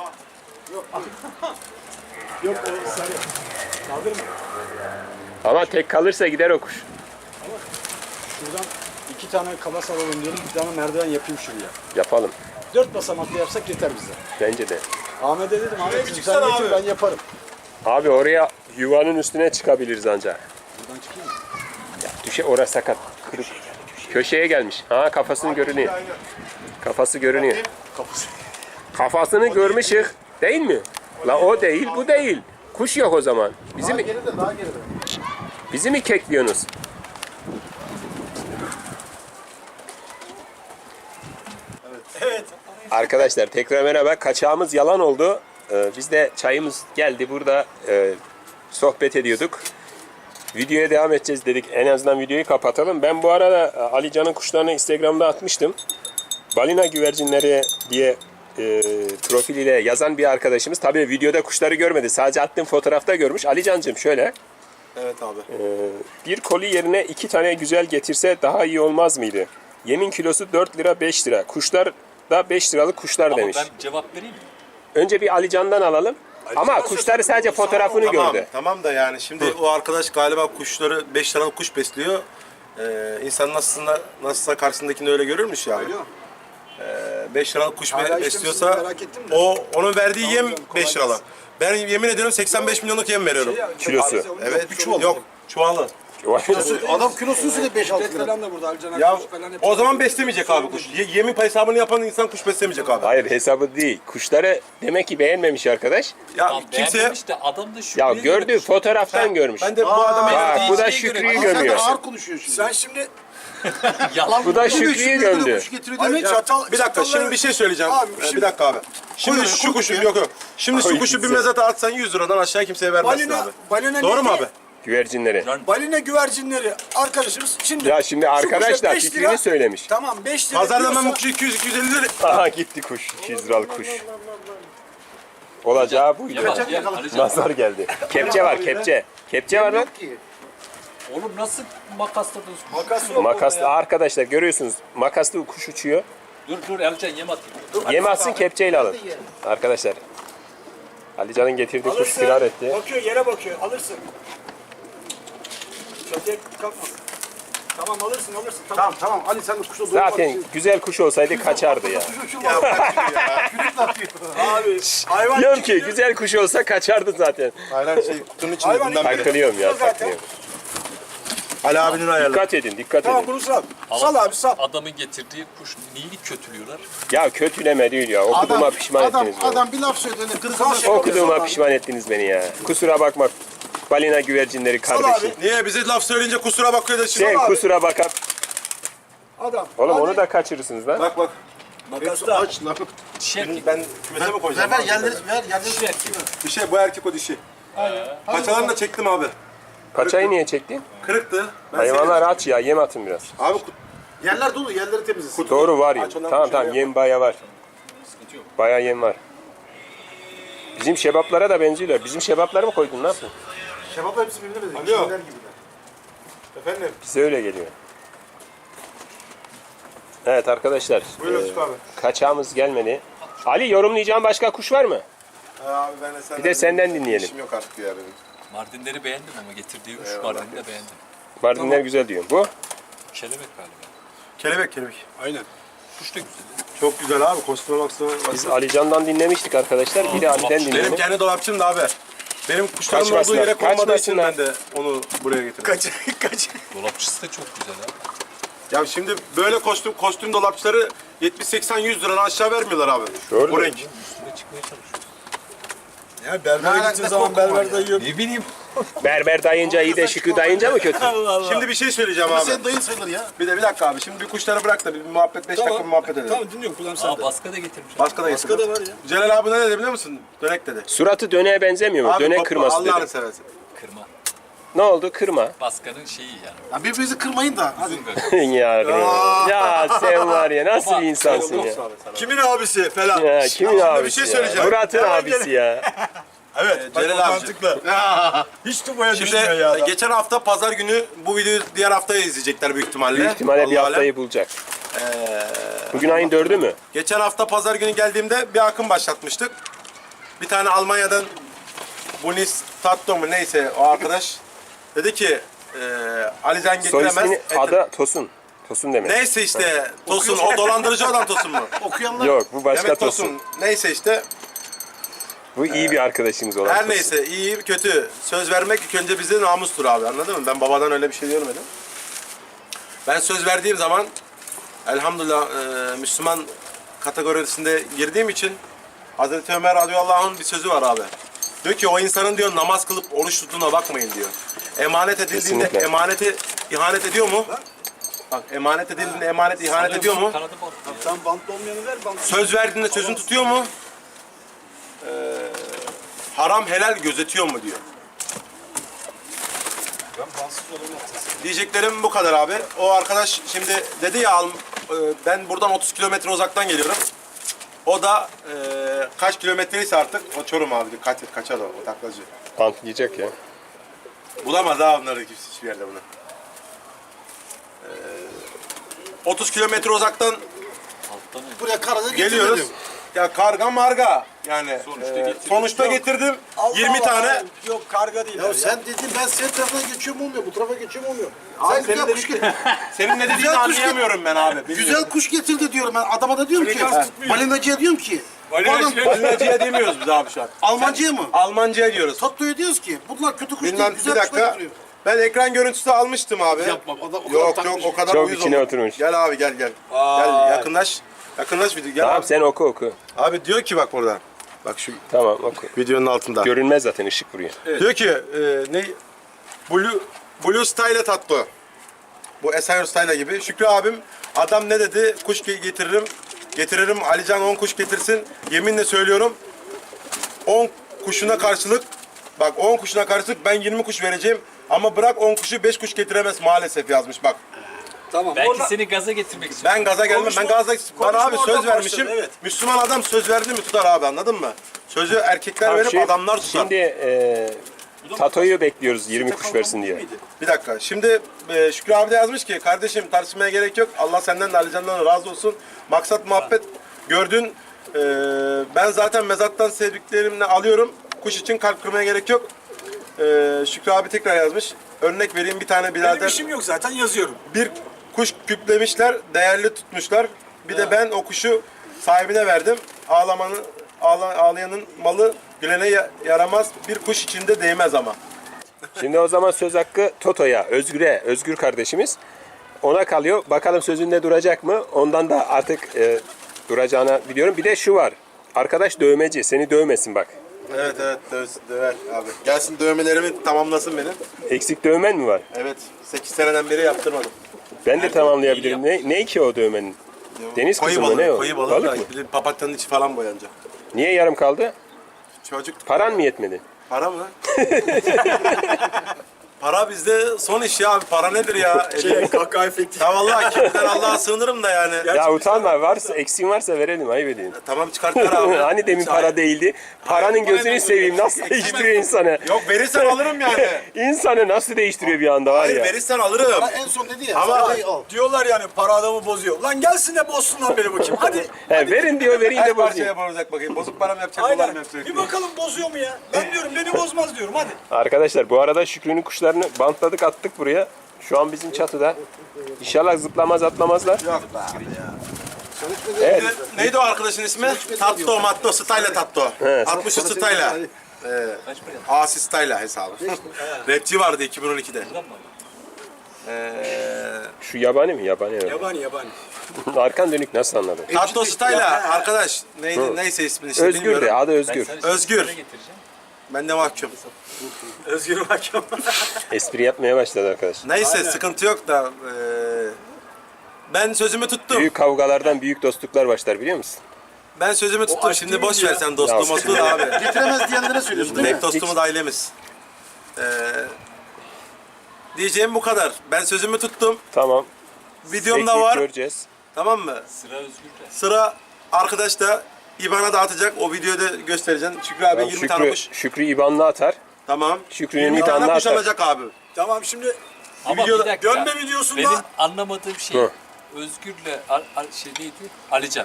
[SPEAKER 5] Yok o sarı. Kaldırma.
[SPEAKER 1] Ama tek kalırsa gider o kuş.
[SPEAKER 3] Şuradan iki tane kalas alalım diyorum. Bir tane merdiven yapayım şuraya.
[SPEAKER 1] Yapalım.
[SPEAKER 3] Dört basamaklı yapsak yeter bize.
[SPEAKER 1] Bence de.
[SPEAKER 3] Ahmet'e dedim
[SPEAKER 2] bir
[SPEAKER 3] Ahmet sen
[SPEAKER 2] çıksana
[SPEAKER 3] getir
[SPEAKER 2] abi.
[SPEAKER 3] ben yaparım.
[SPEAKER 1] Abi oraya yuvanın üstüne çıkabiliriz ancak.
[SPEAKER 3] Buradan çıkayım mı?
[SPEAKER 1] Düşe orası sakat. Kırık. Köşeye gelmiş. Ha kafasını görünüyor.
[SPEAKER 2] Aynen.
[SPEAKER 1] Kafası görünüyor.
[SPEAKER 3] Kapısı.
[SPEAKER 1] Kafasını görmüşük. Değil mi? La o değil, bu değil. Kuş yok o zaman. Bizi mi,
[SPEAKER 2] Geride daha geride.
[SPEAKER 1] bizi mi kekliyorsunuz?
[SPEAKER 5] Evet.
[SPEAKER 1] Arkadaşlar tekrar merhaba. Kaçağımız yalan oldu. Ee, biz de çayımız geldi. Burada e, sohbet ediyorduk. Videoya devam edeceğiz dedik. En azından videoyu kapatalım. Ben bu arada e, Ali Can'ın kuşlarını Instagram'da atmıştım. Balina güvercinleri diye e, profiliyle yazan bir arkadaşımız. Tabii videoda kuşları görmedi. Sadece attığım fotoğrafta görmüş. Ali Can'cığım şöyle.
[SPEAKER 3] Evet abi.
[SPEAKER 1] Bir koli yerine iki tane güzel getirse daha iyi olmaz mıydı? Yemin kilosu dört lira beş lira. Kuşlar da beş liralık kuşlar demiş.
[SPEAKER 6] Ben cevap vereyim mi?
[SPEAKER 1] Önce bir Ali Can'dan alalım. Ama kuşları sadece fotoğrafını
[SPEAKER 2] Tamam,
[SPEAKER 1] gördü.
[SPEAKER 2] tamam da yani şimdi o arkadaş galiba kuşları beş tane kuş besliyor. Ee, insan nasılsa, nasılsa karşısındakini öyle görürmüş ya abi.
[SPEAKER 5] Alo.
[SPEAKER 2] Ee, beş liralık kuş
[SPEAKER 5] Hala
[SPEAKER 2] be-
[SPEAKER 5] işte
[SPEAKER 2] besliyorsa
[SPEAKER 5] misiniz? Merak ettim de.
[SPEAKER 2] o onun verdiği yem
[SPEAKER 5] canım, kolay
[SPEAKER 2] beş liralık. Ben yemin ediyorum seksen beş milyonluk yem veriyorum.
[SPEAKER 5] Şey ya,
[SPEAKER 1] Kilosu.
[SPEAKER 5] yok,
[SPEAKER 2] Evet,
[SPEAKER 5] bir çuval.
[SPEAKER 2] yok çuvalı.
[SPEAKER 5] Adam kilosunu söyle beş altı lira. Falan da burada Alican
[SPEAKER 2] Ya
[SPEAKER 5] Akkuş falan hep-
[SPEAKER 2] o zaman beslemeyecek abi kuş. Ye- yemin hesabını yapan insan kuş beslemeyecek abi.
[SPEAKER 1] Hayır hesabı değil. Kuşları demek ki beğenmemiş arkadaş.
[SPEAKER 2] Ya
[SPEAKER 6] Tamam,
[SPEAKER 2] kimseye
[SPEAKER 6] beğenmemiş de adam da şu
[SPEAKER 1] Ya gördü fotoğraftan görmüş.
[SPEAKER 2] ben de bu adama
[SPEAKER 1] Bak bu da
[SPEAKER 6] Şeye göre-
[SPEAKER 1] Şükrü'yü
[SPEAKER 6] Ama
[SPEAKER 5] Sen de
[SPEAKER 1] gömüyor.
[SPEAKER 5] ağır konuşuyorsun şimdi. Sen şimdi
[SPEAKER 6] yalan
[SPEAKER 1] Bu da Şükrü'yü gömdü.
[SPEAKER 5] demek çatal.
[SPEAKER 2] bir dakika
[SPEAKER 5] çatalları-
[SPEAKER 2] şimdi bir şey söyleyeceğim.
[SPEAKER 5] Abi,
[SPEAKER 2] Ee,
[SPEAKER 5] şimdi-
[SPEAKER 2] bir dakika abi. Şimdi
[SPEAKER 5] Koy,
[SPEAKER 2] şu
[SPEAKER 5] koy
[SPEAKER 2] kuşu
[SPEAKER 5] ya.
[SPEAKER 2] yok yok. Şimdi
[SPEAKER 1] Koy
[SPEAKER 2] şu kuşu bir
[SPEAKER 1] gitsin.
[SPEAKER 2] mezata atsan yüz liradan aşağı kimseye vermezsin
[SPEAKER 5] Balina,
[SPEAKER 2] abi.
[SPEAKER 5] balina
[SPEAKER 2] Doğru mu
[SPEAKER 5] neydi?
[SPEAKER 2] abi?
[SPEAKER 1] Güvercinleri.
[SPEAKER 5] Balina güvercinleri arkadaşımız şimdi.
[SPEAKER 1] Ya şimdi
[SPEAKER 5] şu
[SPEAKER 1] arkadaş
[SPEAKER 5] kuşa
[SPEAKER 1] da
[SPEAKER 5] beş
[SPEAKER 1] fikrini
[SPEAKER 5] lira-
[SPEAKER 1] söylemiş.
[SPEAKER 5] Tamam beş lira.
[SPEAKER 2] Pazarda ben
[SPEAKER 5] diyorsa-
[SPEAKER 2] bu kuşu iki yüz iki yüz elli lira.
[SPEAKER 1] Aha gitti kuş. iki yüz liralık kuş. Olacağı buydu.
[SPEAKER 6] Gel, gel, Alican.
[SPEAKER 1] Nazar geldi. Kepçe var kepçe. Kepçe var lan.
[SPEAKER 6] Oğlum nasıl makasladın?
[SPEAKER 5] Makas yok.
[SPEAKER 1] Makaslı arkadaşlar görüyorsunuz. Makaslı kuş uçuyor.
[SPEAKER 6] Dur dur Alican yem atayım.
[SPEAKER 1] Yemezsin kepçeyle alın. Arkadaşlar. Alican'ın getirdiği kuş
[SPEAKER 5] Alırsın.
[SPEAKER 1] firar etti.
[SPEAKER 5] Bakıyor yere bakıyor. Alırsın. Çatıya kalkma. Tamam alırsın alırsın. Tamam tamam. Ali sen de kuşla doğru
[SPEAKER 1] Zaten güzel kuş olsaydı kaçardı ya.
[SPEAKER 5] Abi hayvan
[SPEAKER 1] Diyorum ki güzel kuş olsa kaçardı zaten.
[SPEAKER 2] Aynen şey kutunun içinde
[SPEAKER 5] Hayvan
[SPEAKER 2] bundan biri.
[SPEAKER 1] Takılıyorum ya
[SPEAKER 5] Zaten.
[SPEAKER 1] takılıyorum.
[SPEAKER 2] Ali abinin ayarlı.
[SPEAKER 1] Dikkat edin dikkat
[SPEAKER 5] Tamam
[SPEAKER 1] edin.
[SPEAKER 5] bunu sal. Sal abi sal.
[SPEAKER 6] Adamın getirdiği kuş neyini kötülüyorlar?
[SPEAKER 1] Ya kötüleme değil ya. Okuduğuma pişman
[SPEAKER 4] adam,
[SPEAKER 1] ettiniz beni.
[SPEAKER 4] adam bir laf söyledi. Kırkına
[SPEAKER 5] Sal.
[SPEAKER 1] Okuduğuma pişman ettiniz beni ya. Kusura bakma. Balina güvercinleri kardeşim.
[SPEAKER 5] abi.
[SPEAKER 2] Niye bize laf söyleyince kusura bakıyor da şimdi.
[SPEAKER 1] Sen
[SPEAKER 5] abi.
[SPEAKER 1] kusura bakma.
[SPEAKER 5] Adam.
[SPEAKER 1] Oğlum
[SPEAKER 5] hadi.
[SPEAKER 1] onu da kaçırırsınız lan.
[SPEAKER 2] Bak bak.
[SPEAKER 5] Makasta.
[SPEAKER 4] aç lan.
[SPEAKER 6] Dişi erkek.
[SPEAKER 2] Ben kümese mi koyacağım?
[SPEAKER 4] Ver
[SPEAKER 2] abi?
[SPEAKER 4] yerleri ver yerleri.
[SPEAKER 6] Dişi erkek.
[SPEAKER 2] Bir şey bu erkek o dişi. Paçalarını da çektim abi.
[SPEAKER 1] Paçayı niye çektin?
[SPEAKER 2] Kırıktı. Ben
[SPEAKER 1] Hayvanlar aç ya yem atın biraz.
[SPEAKER 2] sevdim. Abi kut-
[SPEAKER 4] Yerler dolu yerleri temizlesin.
[SPEAKER 1] Doğru var yem.
[SPEAKER 2] Aç ondan
[SPEAKER 1] Tamam
[SPEAKER 2] bir şey
[SPEAKER 1] tamam yem baya var. Baya yem var. Bizim şebaplara da benziyorlar. Bizim şebapları mı koydun ne yaptın?
[SPEAKER 4] Şebap hepsi birbirine benziyor.
[SPEAKER 2] Alo.
[SPEAKER 4] Çinliler gibiler.
[SPEAKER 2] efendim.
[SPEAKER 1] Bize öyle geliyor. Evet arkadaşlar.
[SPEAKER 2] Buyur
[SPEAKER 1] e,
[SPEAKER 2] Yusuf abi.
[SPEAKER 1] kaçağımız gelmedi. Ali yorumlayacağın başka kuş var mı?
[SPEAKER 2] Abi ben de senden,
[SPEAKER 1] Bir de senden dinleyelim.
[SPEAKER 2] İşim yok artık ya benim.
[SPEAKER 6] Mardinleri beğendim ama getirdiği üç Mardin'i de beğendim.
[SPEAKER 1] Mardinler güzel diyorum. Bu?
[SPEAKER 6] Kelebek galiba.
[SPEAKER 2] Kelebek kelebek.
[SPEAKER 6] Aynen. Kuş da güzel.
[SPEAKER 2] Çok güzel abi. Kostüme baksana.
[SPEAKER 1] Biz Ali Can'dan dinlemiştik arkadaşlar. Bir de Ali'den
[SPEAKER 2] Benim
[SPEAKER 1] dinleyelim.
[SPEAKER 2] kendi dolapçım da abi. Benim kuşlarımın olduğu
[SPEAKER 1] Kaçmasınlar,
[SPEAKER 2] yere konmadığı için
[SPEAKER 1] kaçmasınlar.
[SPEAKER 2] ben de onu buraya getirdim.
[SPEAKER 5] Kaç kaç.
[SPEAKER 6] Dolapçısı da çok güzel ha.
[SPEAKER 2] Ya şimdi böyle kostüm kostüm dolapçıları yetmiş seksen yüz liradan aşağı vermiyorlar abi.
[SPEAKER 1] Doğru.
[SPEAKER 2] Bu renk.
[SPEAKER 6] Üstüne çıkmaya çalışıyoruz.
[SPEAKER 5] Ya berbere
[SPEAKER 4] Ne
[SPEAKER 5] gittiğin zaman
[SPEAKER 4] korkum var
[SPEAKER 5] berber
[SPEAKER 4] ya.
[SPEAKER 5] dayıyor.
[SPEAKER 6] Ne bileyim.
[SPEAKER 1] Berber dayınca iyi de Şükrü dayınca mı kötü?
[SPEAKER 2] Şimdi bir şey söyleyeceğim
[SPEAKER 4] Ama
[SPEAKER 2] abi.
[SPEAKER 4] senin dayın sayılır ya.
[SPEAKER 2] Bir de bir dakika abi. Şimdi bir kuşları bırak da bir muhabbet beş dakika bir muhabbet edelim.
[SPEAKER 5] Tamam dinliyorum kulağım
[SPEAKER 6] Aa
[SPEAKER 5] sende.
[SPEAKER 6] baska da getirmiş.
[SPEAKER 2] Başka da
[SPEAKER 5] Başka
[SPEAKER 2] getirdim.
[SPEAKER 5] da var ya.
[SPEAKER 2] Celal abi ne dedi biliyor musun? Dönek dedi.
[SPEAKER 1] Suratı döneğe benzemiyor mu?
[SPEAKER 2] Abi
[SPEAKER 1] Dönek
[SPEAKER 2] topla,
[SPEAKER 1] kırması
[SPEAKER 2] Allah'ını
[SPEAKER 1] dedi.
[SPEAKER 2] seversen.
[SPEAKER 6] Kırma.
[SPEAKER 1] Ne oldu? Kırma.
[SPEAKER 6] Baskanın şeyi yani.
[SPEAKER 4] Ya birbirinizi kırmayın da. Hadi.
[SPEAKER 6] Uzun gagası.
[SPEAKER 1] ya, ya sen var ya nasıl bir insansın ya?
[SPEAKER 5] Kimin abisi falan.
[SPEAKER 1] Ya kimin
[SPEAKER 2] bir
[SPEAKER 1] abisi
[SPEAKER 2] şey
[SPEAKER 1] ya?
[SPEAKER 2] söyleyeceğim.
[SPEAKER 1] Murat'ın
[SPEAKER 5] Hemen
[SPEAKER 1] abisi ya.
[SPEAKER 2] Evet, Celal abi.
[SPEAKER 5] Hiç tutmaya
[SPEAKER 2] Şimdi
[SPEAKER 5] düşmüyor ya. adam.
[SPEAKER 2] geçen hafta pazar günü bu videoyu diğer haftaya izleyecekler büyük ihtimalle.
[SPEAKER 1] Büyük ihtimalle bir
[SPEAKER 2] Vallahi
[SPEAKER 1] haftayı bulacak. Bugün ayın dördü mü?
[SPEAKER 2] Geçen hafta pazar günü geldiğimde bir akım başlatmıştık. Bir tane Almanya'dan Bunis Tatto mu neyse o arkadaş dedi ki e, Alican
[SPEAKER 1] Soy
[SPEAKER 2] getiremez.
[SPEAKER 1] ismini
[SPEAKER 2] et-
[SPEAKER 1] adı Tosun. Tosun demek.
[SPEAKER 2] Neyse işte Tosun o dolandırıcı olan Tosun mu?
[SPEAKER 4] Okuyanlar
[SPEAKER 1] Yok bu başka
[SPEAKER 2] Demek
[SPEAKER 1] Tosun.
[SPEAKER 2] Tosun. Neyse işte
[SPEAKER 1] Bu iyi bir arkadaşımız olan
[SPEAKER 2] her
[SPEAKER 1] Tosun.
[SPEAKER 2] neyse iyi kötü söz vermek ilk önce bizde namustur abi anladın mı? Ben babadan öyle bir şey görmedim. Ben söz verdiğim zaman elhamdülillah e, Müslüman kategorisinde girdiğim için Hazreti Ömer radıyallahu anh'ın bir sözü var abi. Diyor ki o insanın diyor namaz kılıp oruç tuttuğuna bakmayın diyor. Emanet edildiğinde
[SPEAKER 1] Kesinlikle.
[SPEAKER 2] emaneti ihanet ediyor mu? Bak emanet edildiğinde emanet ihanet ediyor mu?
[SPEAKER 6] Kanadı bak.
[SPEAKER 5] Sen bantlı olmayanı ver bantlı.
[SPEAKER 2] Söz verdiğinde sözünü tutuyor mu? Ee, haram helal gözetiyor mu diyor.
[SPEAKER 5] Ben bantsız olanı
[SPEAKER 2] Diyeceklerim bu kadar abi. O arkadaş şimdi dedi ya al- e, ben buradan otuz kilometre uzaktan geliyorum. O da e, kaç kilometreyse artık o Çorum abi kaç kaçar o, o taklacı.
[SPEAKER 1] Antlayacak ya.
[SPEAKER 2] Bulamaz ha onları kimse hiçbir yerde bunu. Ee, otuz kilometre uzaktan
[SPEAKER 6] Alttan öyle.
[SPEAKER 4] buraya karada
[SPEAKER 2] geliyoruz.
[SPEAKER 4] getirelim.
[SPEAKER 2] Ya karga marga yani
[SPEAKER 6] Sonuçta
[SPEAKER 2] e,
[SPEAKER 6] getirdim.
[SPEAKER 2] sonuçta getirdim yirmi
[SPEAKER 5] Allah
[SPEAKER 2] tane.
[SPEAKER 5] Allah. Yok karga değil.
[SPEAKER 4] Ya sen dedin ben senin tarafına geçiyorum olmuyor, bu tarafa geçiyorum olmuyor.
[SPEAKER 2] Abi
[SPEAKER 4] Sen
[SPEAKER 2] senin
[SPEAKER 4] güzel
[SPEAKER 2] de-
[SPEAKER 4] kuş getir.
[SPEAKER 2] Senin ne dediğini
[SPEAKER 4] Güzel kuş
[SPEAKER 2] anlayamıyorum ben abi.
[SPEAKER 4] Güzel kuş getirdi diyorum ben. Adama da diyorum ki.
[SPEAKER 5] Frekans tutmuyor.
[SPEAKER 4] Balinacıya diyorum ki. bu adam-
[SPEAKER 2] Balinacıya demiyoruz biz abi şu an.
[SPEAKER 4] Almancıya mı?
[SPEAKER 2] Almancıya diyoruz.
[SPEAKER 4] Tatlıya diyoruz ki. Bunlar kötü kuş
[SPEAKER 2] Bilmem
[SPEAKER 4] değil.
[SPEAKER 2] bir
[SPEAKER 4] Güzel kuşlar
[SPEAKER 2] dakika.
[SPEAKER 4] getiriyor.
[SPEAKER 2] Ben ekran görüntüsü almıştım abi.
[SPEAKER 4] Yapma. Adam o kadar
[SPEAKER 2] Yok
[SPEAKER 4] takmış.
[SPEAKER 2] yok o kadar
[SPEAKER 1] Çok
[SPEAKER 2] uyuz
[SPEAKER 1] içine
[SPEAKER 2] olur.
[SPEAKER 1] oturmuş.
[SPEAKER 2] Gel abi gel gel. Gel yakınlaş. Yakınlaş video. Gel
[SPEAKER 1] Tamam
[SPEAKER 2] abi.
[SPEAKER 1] sen oku oku.
[SPEAKER 2] Abi diyor ki bak burada. Bak şu
[SPEAKER 1] Tamam oku.
[SPEAKER 2] videonun altında.
[SPEAKER 1] Görünmez zaten ışık vuruyor.
[SPEAKER 2] Diyor ki e, ne Blue Blue Style tatlı. Bu Esayor Style gibi. Şükrü abim adam ne dedi? Kuş ge- getiririm. Getiririm. Alican on kuş getirsin. Yeminle söylüyorum. on kuşuna karşılık bak on kuşuna karşılık ben yirmi kuş vereceğim. Ama bırak on kuşu beş kuş getiremez maalesef yazmış bak.
[SPEAKER 5] Tamam.
[SPEAKER 6] Belki
[SPEAKER 5] orada-
[SPEAKER 6] seni gaza getirmek için.
[SPEAKER 2] Ben gaza gelmem.
[SPEAKER 5] Konuşma-
[SPEAKER 2] ben gaza ben
[SPEAKER 5] konuşma
[SPEAKER 2] abi söz
[SPEAKER 5] oradan
[SPEAKER 2] vermişim.
[SPEAKER 5] başladı, evet.
[SPEAKER 2] Müslüman adam söz verdi mi tutar abi anladın mı? Sözü erkekler
[SPEAKER 1] Tamam,
[SPEAKER 2] verip
[SPEAKER 1] şey-
[SPEAKER 2] adamlar tutar.
[SPEAKER 1] Şimdi e, Tato'yu bekliyoruz yirmi kuş versin diye.
[SPEAKER 2] Bir dakika. Şimdi e, Şükrü abi de yazmış ki kardeşim tartışmaya gerek yok. Allah senden de Ali Can'dan da razı olsun. Maksat muhabbet gördün. E, ben zaten mezattan sevdiklerimle alıyorum. Kuş için kalp kırmaya gerek yok. E, Şükrü abi tekrar yazmış. Örnek vereyim bir tane
[SPEAKER 5] Benim
[SPEAKER 2] birader.
[SPEAKER 5] işim yok zaten yazıyorum.
[SPEAKER 2] Bir kuş küplemişler, değerli tutmuşlar. Bir de ben o kuşu sahibine verdim. Ağlamanın, ağla, ağlayanın malı gülene ya- yaramaz. Bir kuş içinde değmez ama.
[SPEAKER 1] Şimdi o zaman söz hakkı Toto'ya, Özgür'e, Özgür kardeşimiz. Ona kalıyor. Bakalım sözünde duracak mı? Ondan da artık e, duracağını biliyorum. Bir de şu var. Arkadaş dövmeci. Seni dövmesin bak.
[SPEAKER 2] Evet evet dövsün, döver abi. Gelsin dövmelerimi tamamlasın benim.
[SPEAKER 1] Eksik dövmen mi var?
[SPEAKER 2] Evet sekiz seneden beri yaptırmadım.
[SPEAKER 1] Ben de tamamlayabilirim. Ne, ne ki o dövmenin? Deniz
[SPEAKER 2] Koyu
[SPEAKER 1] kızı mı
[SPEAKER 2] balığı,
[SPEAKER 1] ne o?
[SPEAKER 2] koyu balığı.
[SPEAKER 1] Balık
[SPEAKER 2] da,
[SPEAKER 1] mı?
[SPEAKER 2] bir de papatyanın içi falan boyanacak.
[SPEAKER 1] Niye yarım kaldı?
[SPEAKER 2] Çocuk
[SPEAKER 1] Paran mı yetmedi?
[SPEAKER 2] para mı? Para bizde son iş ya abi. Para nedir ya?
[SPEAKER 5] Şey, kahkaha efekti.
[SPEAKER 2] Ya vallahi kimden Allah'a sığınırım da yani.
[SPEAKER 1] Ya utanma. Varsa eksiğin varsa verelim. Ayıp edeyim.
[SPEAKER 2] Tamam çıkartlar abi.
[SPEAKER 1] Hani demin para değildi. Paranın
[SPEAKER 2] Hayır,
[SPEAKER 1] gözünü
[SPEAKER 2] aynen.
[SPEAKER 1] seveyim. Nasıl
[SPEAKER 2] Eksik-
[SPEAKER 1] değiştiriyor insanı?
[SPEAKER 2] Yok verirsen alırım yani.
[SPEAKER 1] İnsanı nasıl değiştiriyor bir anda var
[SPEAKER 2] Hayır
[SPEAKER 1] ya.
[SPEAKER 2] verirsen alırım.
[SPEAKER 4] Ha, en son dedi ya.
[SPEAKER 2] Ama-
[SPEAKER 4] Ama al.
[SPEAKER 5] Diyorlar yani para adamı bozuyor. Lan gelsin de bozsun lan beni bakayım. Hadi.
[SPEAKER 1] He, verin diyor vereyim
[SPEAKER 2] Her
[SPEAKER 1] de
[SPEAKER 2] parçaya
[SPEAKER 1] bozayım.
[SPEAKER 2] bozacak bakayım. Bozuk param yapacak, dolarım
[SPEAKER 5] Aynen.
[SPEAKER 2] yapacak.
[SPEAKER 5] Bir bakalım bozuyor mu ya? Ben diyorum beni bozmaz diyorum hadi.
[SPEAKER 1] Arkadaşlar bu arada Şükrü'nün kuşlarını bantladık attık buraya. Şu an bizim çatıda. İnşallah zıplamaz atlamazlar.
[SPEAKER 2] Yok be abi ya.
[SPEAKER 1] Evet.
[SPEAKER 2] Ne- Neydi o arkadaşın ismi? Tatto, Matto, Style Tatto.
[SPEAKER 1] Evet.
[SPEAKER 2] altmış Style. Ee, Asi Style hesabı. Rapçi vardı iki bin on ikide. Ee,
[SPEAKER 1] Şu yabani mi? Yabani. evet.
[SPEAKER 5] Yabani yabani.
[SPEAKER 1] Arkan dönük nasıl anladın?
[SPEAKER 2] Tatto Style arkadaş. Neydi, neyse ismini işte
[SPEAKER 1] Özgür de
[SPEAKER 2] bilmiyorum.
[SPEAKER 1] adı Özgür.
[SPEAKER 2] Özgür. Ben de mahkum.
[SPEAKER 5] Özgür Hakem.
[SPEAKER 1] Espri yapmaya başladı arkadaş.
[SPEAKER 2] Neyse sıkıntı yok da ee, ben sözümü tuttum.
[SPEAKER 1] Büyük kavgalardan büyük dostluklar başlar biliyor musun?
[SPEAKER 2] Ben sözümü tuttum.
[SPEAKER 5] aşk
[SPEAKER 2] Şimdi
[SPEAKER 5] değil
[SPEAKER 2] boş
[SPEAKER 5] mi
[SPEAKER 2] ver
[SPEAKER 5] ya?
[SPEAKER 2] sen dostluğu
[SPEAKER 1] Ya,
[SPEAKER 2] mostluğu da abi.
[SPEAKER 4] Getiremez diyenlere söylüyorsun değil mi?
[SPEAKER 2] Tek dostumuz ailemiz. Ee, diyeceğim bu kadar. Ben sözümü tuttum.
[SPEAKER 1] Tamam.
[SPEAKER 2] Videom da
[SPEAKER 1] Bekleyip
[SPEAKER 2] var.
[SPEAKER 1] göreceğiz.
[SPEAKER 2] Tamam mı?
[SPEAKER 6] Sıra Özgür'de.
[SPEAKER 2] Sıra arkadaş da İBAN'a dağıtacak. O videoda göstereceğim. Şükrü abi
[SPEAKER 1] Tamam,
[SPEAKER 2] yirmi tane
[SPEAKER 1] Şükrü,
[SPEAKER 2] kuş.
[SPEAKER 1] Şükrü İban'la atar.
[SPEAKER 2] Tamam.
[SPEAKER 1] Şükrü'nün
[SPEAKER 2] yirmi
[SPEAKER 1] İban'la
[SPEAKER 2] tane kuş
[SPEAKER 1] atar.
[SPEAKER 2] alacak abi.
[SPEAKER 5] Tamam şimdi
[SPEAKER 6] Ama
[SPEAKER 2] videoda-
[SPEAKER 6] bir dakika.
[SPEAKER 5] dönme videosunda
[SPEAKER 6] Benim anlamadığım şey
[SPEAKER 1] Hı.
[SPEAKER 6] Özgür'le Al, Al, şey neydi? Alican.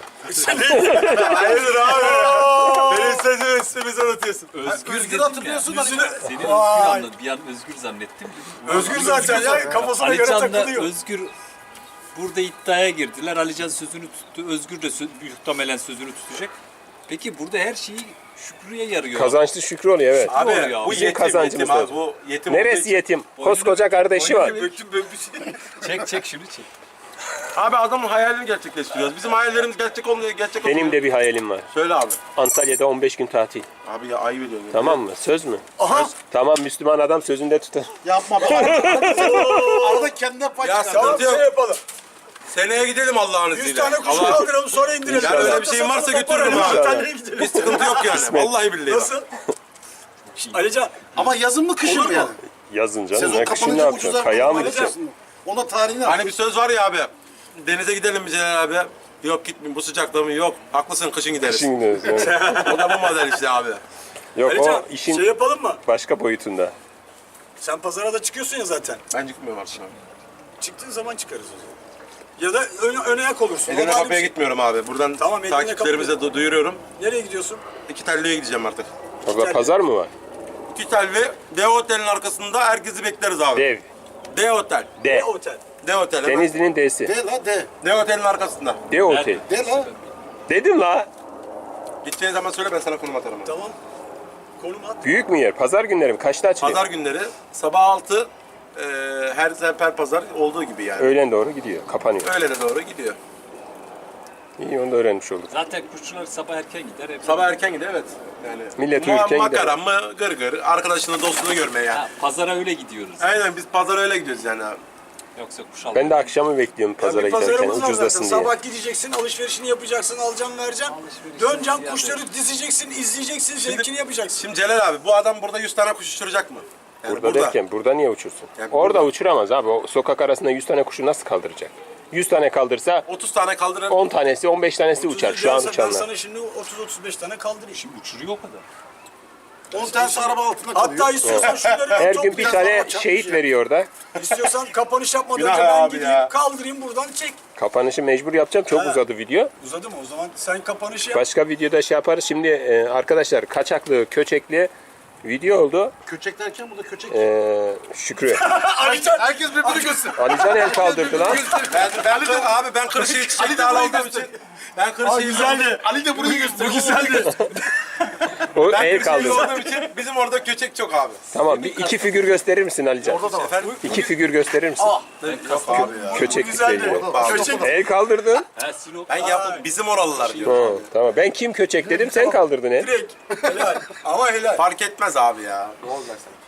[SPEAKER 2] Hayırdır abi? Benim sözümü üstümüze unutuyorsun.
[SPEAKER 6] Özgür,
[SPEAKER 4] Özgür
[SPEAKER 6] dedim
[SPEAKER 4] hatırlıyorsun
[SPEAKER 6] ya.
[SPEAKER 4] hani.
[SPEAKER 6] Seni Özgür anladım. Bir an Özgür zannettim.
[SPEAKER 5] Özgür zaten ya kafasına göre
[SPEAKER 6] Alican'la
[SPEAKER 5] takılıyor.
[SPEAKER 6] Özgür burada iddiaya girdiler. Alican sözünü tuttu. Özgür de sö- muhtemelen sözünü tutacak. Peki burada her şeyi Şükrü'ye yarıyor.
[SPEAKER 1] Kazançlı Şükrü oluyor evet.
[SPEAKER 2] Abi
[SPEAKER 6] oluyor abi.
[SPEAKER 2] bu
[SPEAKER 1] Bizim
[SPEAKER 2] yetim,
[SPEAKER 1] kazancımız
[SPEAKER 2] yetim abi.
[SPEAKER 1] lazım.
[SPEAKER 2] Bu yetim
[SPEAKER 1] Neresi
[SPEAKER 2] olduğu için-
[SPEAKER 1] yetim? Koskoca kardeşi var.
[SPEAKER 5] Döktüm böyle bir şey.
[SPEAKER 6] Çek çek şunu çek.
[SPEAKER 2] Abi adamın hayalini gerçekleştiriyoruz. Bizim hayallerimiz gerçek olmuyor, gerçek olmuyor.
[SPEAKER 1] Benim de bir hayalim var.
[SPEAKER 2] Söyle abi.
[SPEAKER 1] Antalya'da on beş gün tatil.
[SPEAKER 2] Abi ya ayıp ediyorsun. ya.
[SPEAKER 1] Tamam mı? Söz mü?
[SPEAKER 5] Aha.
[SPEAKER 1] Tamam Müslüman adam sözünde tutar.
[SPEAKER 4] Yapma. Bak, arada kendine pay
[SPEAKER 2] Ya
[SPEAKER 4] çıkar.
[SPEAKER 5] Tamam
[SPEAKER 2] sıkıntı
[SPEAKER 5] şey
[SPEAKER 2] yok.
[SPEAKER 5] yapalım.
[SPEAKER 2] Seneye gidelim Allah'ın izniyle.
[SPEAKER 5] yüz tane kuş
[SPEAKER 2] Allah-
[SPEAKER 5] kaldıralım sonra indirelim.
[SPEAKER 2] Ya öyle
[SPEAKER 5] Zaten
[SPEAKER 2] bir şeyin varsa
[SPEAKER 5] sonra
[SPEAKER 2] götürürüm
[SPEAKER 5] toparlayalım,
[SPEAKER 2] abi.
[SPEAKER 5] Antalya'ya gidelim.
[SPEAKER 2] Bir sıkıntı yok yani. Vallahi billahi.
[SPEAKER 5] Nasıl? Alican
[SPEAKER 4] Ama yazın mı kışın
[SPEAKER 5] Olur
[SPEAKER 4] mı
[SPEAKER 5] mu?
[SPEAKER 4] yani?
[SPEAKER 1] Yazın canım.
[SPEAKER 4] Sezon
[SPEAKER 1] Ne kışın ne
[SPEAKER 4] kapanınca
[SPEAKER 1] yapacaksın?
[SPEAKER 4] ucuzlar.
[SPEAKER 1] Kayağa mı
[SPEAKER 4] Alacaksın.
[SPEAKER 1] gideceksin?
[SPEAKER 4] Ona tarihini al.
[SPEAKER 2] Hani bir söz var ya abi. Denize gidelim mi Celal abi? Yok gitmeyin bu sıcakta mı? Yok. Haklısın kışın gideriz.
[SPEAKER 1] Kışın gidiyoruz. evet.
[SPEAKER 2] O da bu model işte abi.
[SPEAKER 1] Yok
[SPEAKER 5] Alican
[SPEAKER 1] o işin
[SPEAKER 5] şey yapalım mı?
[SPEAKER 1] başka boyutunda.
[SPEAKER 5] Sen pazara da çıkıyorsun ya zaten.
[SPEAKER 2] Ben çıkmıyorum artık abi.
[SPEAKER 5] Çıktığın zaman çıkarız o zaman. Ya da öne, öne yak olursun.
[SPEAKER 2] Edirne
[SPEAKER 5] O da ayrı bir
[SPEAKER 2] kapıya
[SPEAKER 5] şey.
[SPEAKER 2] gitmiyorum abi. Buradan
[SPEAKER 5] Tamam, Edirne
[SPEAKER 2] takipçilerimize du- duyuruyorum.
[SPEAKER 5] Nereye gidiyorsun?
[SPEAKER 2] İki telliye gideceğim artık.
[SPEAKER 1] Orada pazar mı var?
[SPEAKER 2] İki telli Dev Otel'in arkasında herkesi bekleriz abi.
[SPEAKER 1] Dev.
[SPEAKER 2] Dev Otel.
[SPEAKER 1] D.
[SPEAKER 5] Ne otel?
[SPEAKER 2] Dev Otel. hemen.
[SPEAKER 1] Denizli'nin D'si.
[SPEAKER 3] De la de.
[SPEAKER 2] Dev Otel'in arkasında.
[SPEAKER 1] D otel.
[SPEAKER 3] De la.
[SPEAKER 1] Dedim la.
[SPEAKER 2] Gideceğin zaman söyle ben sana konum atarım. abi.
[SPEAKER 5] Tamam. Konum at.
[SPEAKER 1] Büyük mü yer? Pazar günleri mi? Kaçta açılıyor?
[SPEAKER 2] Pazar günleri sabah altı e, her her pazar olduğu gibi yani.
[SPEAKER 1] Öğlen doğru gidiyor. Kapanıyor.
[SPEAKER 2] Öğlene doğru gidiyor.
[SPEAKER 1] İyi, onu da öğrenmiş olduk.
[SPEAKER 6] Zaten kuşçular sabah erken gider. Hep
[SPEAKER 2] Sabah erken gidiyor evet. Yani
[SPEAKER 1] Millet
[SPEAKER 2] ma-
[SPEAKER 1] uyurken
[SPEAKER 2] makara mı gır gır arkadaşını dostunu görmeye yani.
[SPEAKER 6] Ha, pazara öyle gidiyoruz.
[SPEAKER 2] Aynen biz pazara öyle gidiyoruz yani abi.
[SPEAKER 6] Yoksa kuş almak.
[SPEAKER 1] Ben de akşamı bekliyorum pazara
[SPEAKER 5] Bir
[SPEAKER 1] giderken
[SPEAKER 5] pazarımız var
[SPEAKER 1] ucuzlasın
[SPEAKER 5] zaten.
[SPEAKER 1] diye.
[SPEAKER 5] Sabah gideceksin, alışverişini yapacaksın, alacaksın, vereceksin. Döneceksin, kuşları dizeceksin, izleyeceksin, zevkini yapacaksın.
[SPEAKER 2] Şimdi Celal abi bu adam burada yüz tane kuş uçuracak mı? Yani
[SPEAKER 1] Burada, derken burada niye uçursun?
[SPEAKER 2] Yani
[SPEAKER 1] Orada
[SPEAKER 2] burada-
[SPEAKER 1] uçuramaz abi. O sokak arasında yüz tane kuşu nasıl kaldıracak? yüz tane kaldırsa
[SPEAKER 2] otuz tane kaldırır.
[SPEAKER 1] on tanesi on beş tanesi uçar şu an
[SPEAKER 5] Ben
[SPEAKER 1] uçanlar.
[SPEAKER 5] sana şimdi otuz otuz beş tane kaldırayım.
[SPEAKER 6] Şimdi uçuruyor o kadar.
[SPEAKER 3] on tanesi araba altında kalıyor.
[SPEAKER 5] Hatta istiyorsan şunları
[SPEAKER 1] Her
[SPEAKER 5] bir
[SPEAKER 1] gün bir
[SPEAKER 5] toplayalım.
[SPEAKER 1] tane
[SPEAKER 5] Açalım
[SPEAKER 1] şehit
[SPEAKER 5] şey.
[SPEAKER 1] veriyor orada.
[SPEAKER 5] İstiyorsan kapanış yapmadan
[SPEAKER 2] Günah
[SPEAKER 5] önce ben
[SPEAKER 2] abi
[SPEAKER 5] gideyim,
[SPEAKER 2] ya.
[SPEAKER 5] kaldırayım buradan çek.
[SPEAKER 1] Kapanışı mecbur yapacağım. Çok
[SPEAKER 5] Ha.
[SPEAKER 1] uzadı video.
[SPEAKER 5] Uzadı mı? O zaman sen kapanışı yap.
[SPEAKER 1] Başka videoda şey yaparız. Şimdi e, arkadaşlar kaçaklı, köçekli video oldu.
[SPEAKER 3] Köçek derken bu da köçek.
[SPEAKER 1] E, Şükrü.
[SPEAKER 3] Herkes birbirini göster.
[SPEAKER 1] Alican el kaldırdı lan.
[SPEAKER 2] Ben, ben, abi ben Kırşehir çiçek dağlı olduğum için. Ben Kırşehir
[SPEAKER 5] güzeldi.
[SPEAKER 3] Ali de burayı göster.
[SPEAKER 5] Bu güzeldi.
[SPEAKER 1] O
[SPEAKER 2] Ben
[SPEAKER 1] el
[SPEAKER 2] Kırşehir
[SPEAKER 1] kaldırdı.
[SPEAKER 2] olduğum için bizim orada köçek çok abi.
[SPEAKER 1] Tamam, bir iki figür gösterir misin Alican?
[SPEAKER 2] Efendim?
[SPEAKER 1] İki figür gösterir misin?
[SPEAKER 2] Yok abi ya.
[SPEAKER 1] Köçeklikle
[SPEAKER 5] güzeldi.
[SPEAKER 1] ilgili.
[SPEAKER 5] Köçek.
[SPEAKER 1] El kaldırdın.
[SPEAKER 6] Ha Sinop.
[SPEAKER 2] Ben yaptım bizim oralılar diyor.
[SPEAKER 1] Ha, tamam. Ben kim köçek dedim, sen kaldırdın el.
[SPEAKER 5] Direkt. Helal. Ama helal.
[SPEAKER 2] Fark etmez abi ya. Ne olacak sen?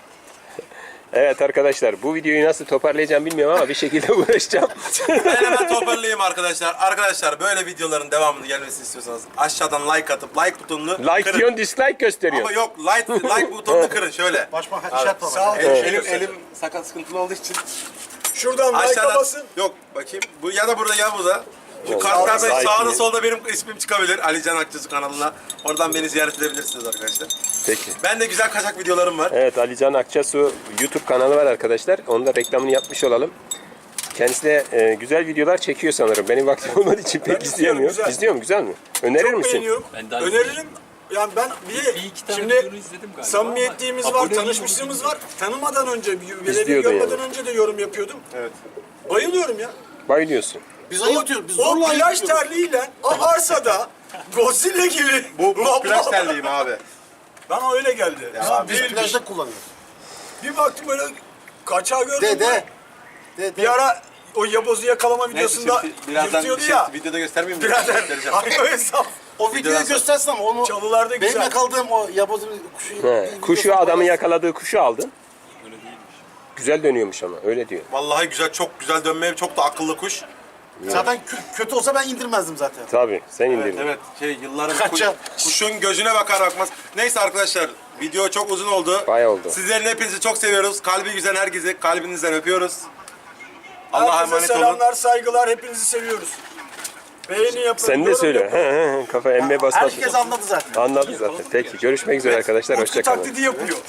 [SPEAKER 1] Evet arkadaşlar, bu videoyu nasıl toparlayacağım bilmiyorum ama bir şekilde uğraşacağım.
[SPEAKER 2] Ben hemen toparlayayım arkadaşlar. Arkadaşlar böyle videoların devamını gelmesini istiyorsanız aşağıdan like atıp like butonunu
[SPEAKER 1] Like
[SPEAKER 2] kırın.
[SPEAKER 1] diyorsun, dislike gösteriyorsun.
[SPEAKER 2] Ama yok like like butonunu kırın şöyle.
[SPEAKER 3] Başma
[SPEAKER 2] Abi,
[SPEAKER 3] işaret var.
[SPEAKER 5] Sağ ol.
[SPEAKER 2] Elim,
[SPEAKER 5] Şey
[SPEAKER 2] elim,
[SPEAKER 5] göster.
[SPEAKER 2] elim sakat sıkıntılı olduğu için
[SPEAKER 5] Şuradan like
[SPEAKER 2] aşağıdan
[SPEAKER 5] basın.
[SPEAKER 2] yok bakayım. Bu ya da burada ya burada. Şu
[SPEAKER 1] Yok,
[SPEAKER 2] kartlarda
[SPEAKER 1] like
[SPEAKER 2] sağda
[SPEAKER 1] mi?
[SPEAKER 2] solda benim ismim çıkabilir. Ali Can Akçısı kanalına. Oradan beni ziyaret edebilirsiniz arkadaşlar.
[SPEAKER 1] Peki.
[SPEAKER 2] Ben de güzel kaçak videolarım var.
[SPEAKER 1] Evet, Alican Akçasu YouTube kanalı var arkadaşlar. Onun da reklamını yapmış olalım. Kendisi de e, güzel videolar çekiyor sanırım. Benim vaktim olmadığı için pek
[SPEAKER 5] Ben izliyorum,
[SPEAKER 1] izleyemiyorum.
[SPEAKER 5] güzel.
[SPEAKER 1] İzliyor mu? Güzel mi? Önerir
[SPEAKER 5] Çok
[SPEAKER 1] misin?
[SPEAKER 5] beğeniyorum.
[SPEAKER 6] Ben daha
[SPEAKER 5] Öneririm. Yani ben bir de
[SPEAKER 6] Bir iki tane
[SPEAKER 5] şimdi
[SPEAKER 6] videonu izledim galiba
[SPEAKER 5] samimiyetliğimiz
[SPEAKER 6] ama
[SPEAKER 5] var,
[SPEAKER 6] abone
[SPEAKER 5] tanışmışlığımız var. Tanımadan önce, görevi
[SPEAKER 1] İzliyordu
[SPEAKER 5] görmeden
[SPEAKER 1] yani.
[SPEAKER 5] önce de yorum yapıyordum.
[SPEAKER 2] Evet.
[SPEAKER 5] Bayılıyorum ya.
[SPEAKER 1] Bayılıyorsun.
[SPEAKER 3] Biz ayıtıyoruz. Biz
[SPEAKER 5] O
[SPEAKER 3] zorla
[SPEAKER 5] plaj
[SPEAKER 3] ayıtıyoruz.
[SPEAKER 5] terliğiyle o arsada Godzilla gibi.
[SPEAKER 2] Bu, bu
[SPEAKER 5] lop
[SPEAKER 2] plaj
[SPEAKER 5] lop.
[SPEAKER 2] terliğim abi.
[SPEAKER 5] Bana öyle geldi.
[SPEAKER 2] Ya
[SPEAKER 5] Ya
[SPEAKER 2] abi,
[SPEAKER 3] Biz
[SPEAKER 5] değilmiş.
[SPEAKER 3] plajda kullanıyoruz.
[SPEAKER 5] Bir baktım böyle kaçağı gördüm.
[SPEAKER 3] De
[SPEAKER 5] ben.
[SPEAKER 3] de. De de.
[SPEAKER 5] Bir ara o yabozu yakalama
[SPEAKER 2] Neyse
[SPEAKER 5] videosunda
[SPEAKER 2] şimdi birazdan bir
[SPEAKER 5] yırtıyordu
[SPEAKER 2] şey,
[SPEAKER 5] ya.
[SPEAKER 2] videoda göstermeyeyim mi?
[SPEAKER 5] Birader.
[SPEAKER 2] Göstereceğim.
[SPEAKER 5] Aynı o hesap.
[SPEAKER 3] O videoyu göstersin ama onu
[SPEAKER 5] Çalılarda
[SPEAKER 3] benim
[SPEAKER 5] güzel.
[SPEAKER 3] yakaladığım o yabozun kuşu.
[SPEAKER 1] He, kuşu adamın yakaladığı kuşu aldın.
[SPEAKER 6] Öyle değilmiş.
[SPEAKER 1] Güzel dönüyormuş ama öyle diyor.
[SPEAKER 2] Vallahi güzel, çok güzel dönmeye, çok da akıllı kuş.
[SPEAKER 3] Zaten kö- kötü olsa ben indirmezdim zaten.
[SPEAKER 1] Tabii sen
[SPEAKER 2] Evet,
[SPEAKER 1] indirdin.
[SPEAKER 2] evet. Şey, yılların kuş,
[SPEAKER 3] Kaça?
[SPEAKER 2] kuşun gözüne bakar bakmaz. Neyse arkadaşlar, video çok uzun oldu.
[SPEAKER 1] Bayağı oldu.
[SPEAKER 2] Sizlerin hepinizi çok seviyoruz. Kalbi güzel herkesi kalbinizden öpüyoruz. Allah'a
[SPEAKER 5] Herkese
[SPEAKER 2] emanet olun.
[SPEAKER 5] selamlar, saygılar. Hepinizi seviyoruz. Beğeni yapın.
[SPEAKER 1] Sen de
[SPEAKER 5] yorum
[SPEAKER 1] söyle.
[SPEAKER 5] yapın.
[SPEAKER 1] He, he, he. Kafa emme basmak.
[SPEAKER 3] Herkes anladı zaten.
[SPEAKER 1] Anladı zaten. Peki görüşmek üzere arkadaşlar.
[SPEAKER 5] Utku
[SPEAKER 1] Hoşçakalın.
[SPEAKER 5] taklidi yapıyor.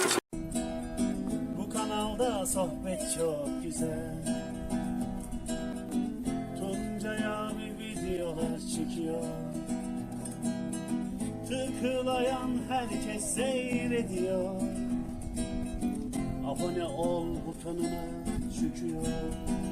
[SPEAKER 7] Bu kanalda sohbet çok güzel. Tuncay abi videolar çekiyor. Tıklayan herkes seyrediyor. Abone ol butonuna çıkıyor.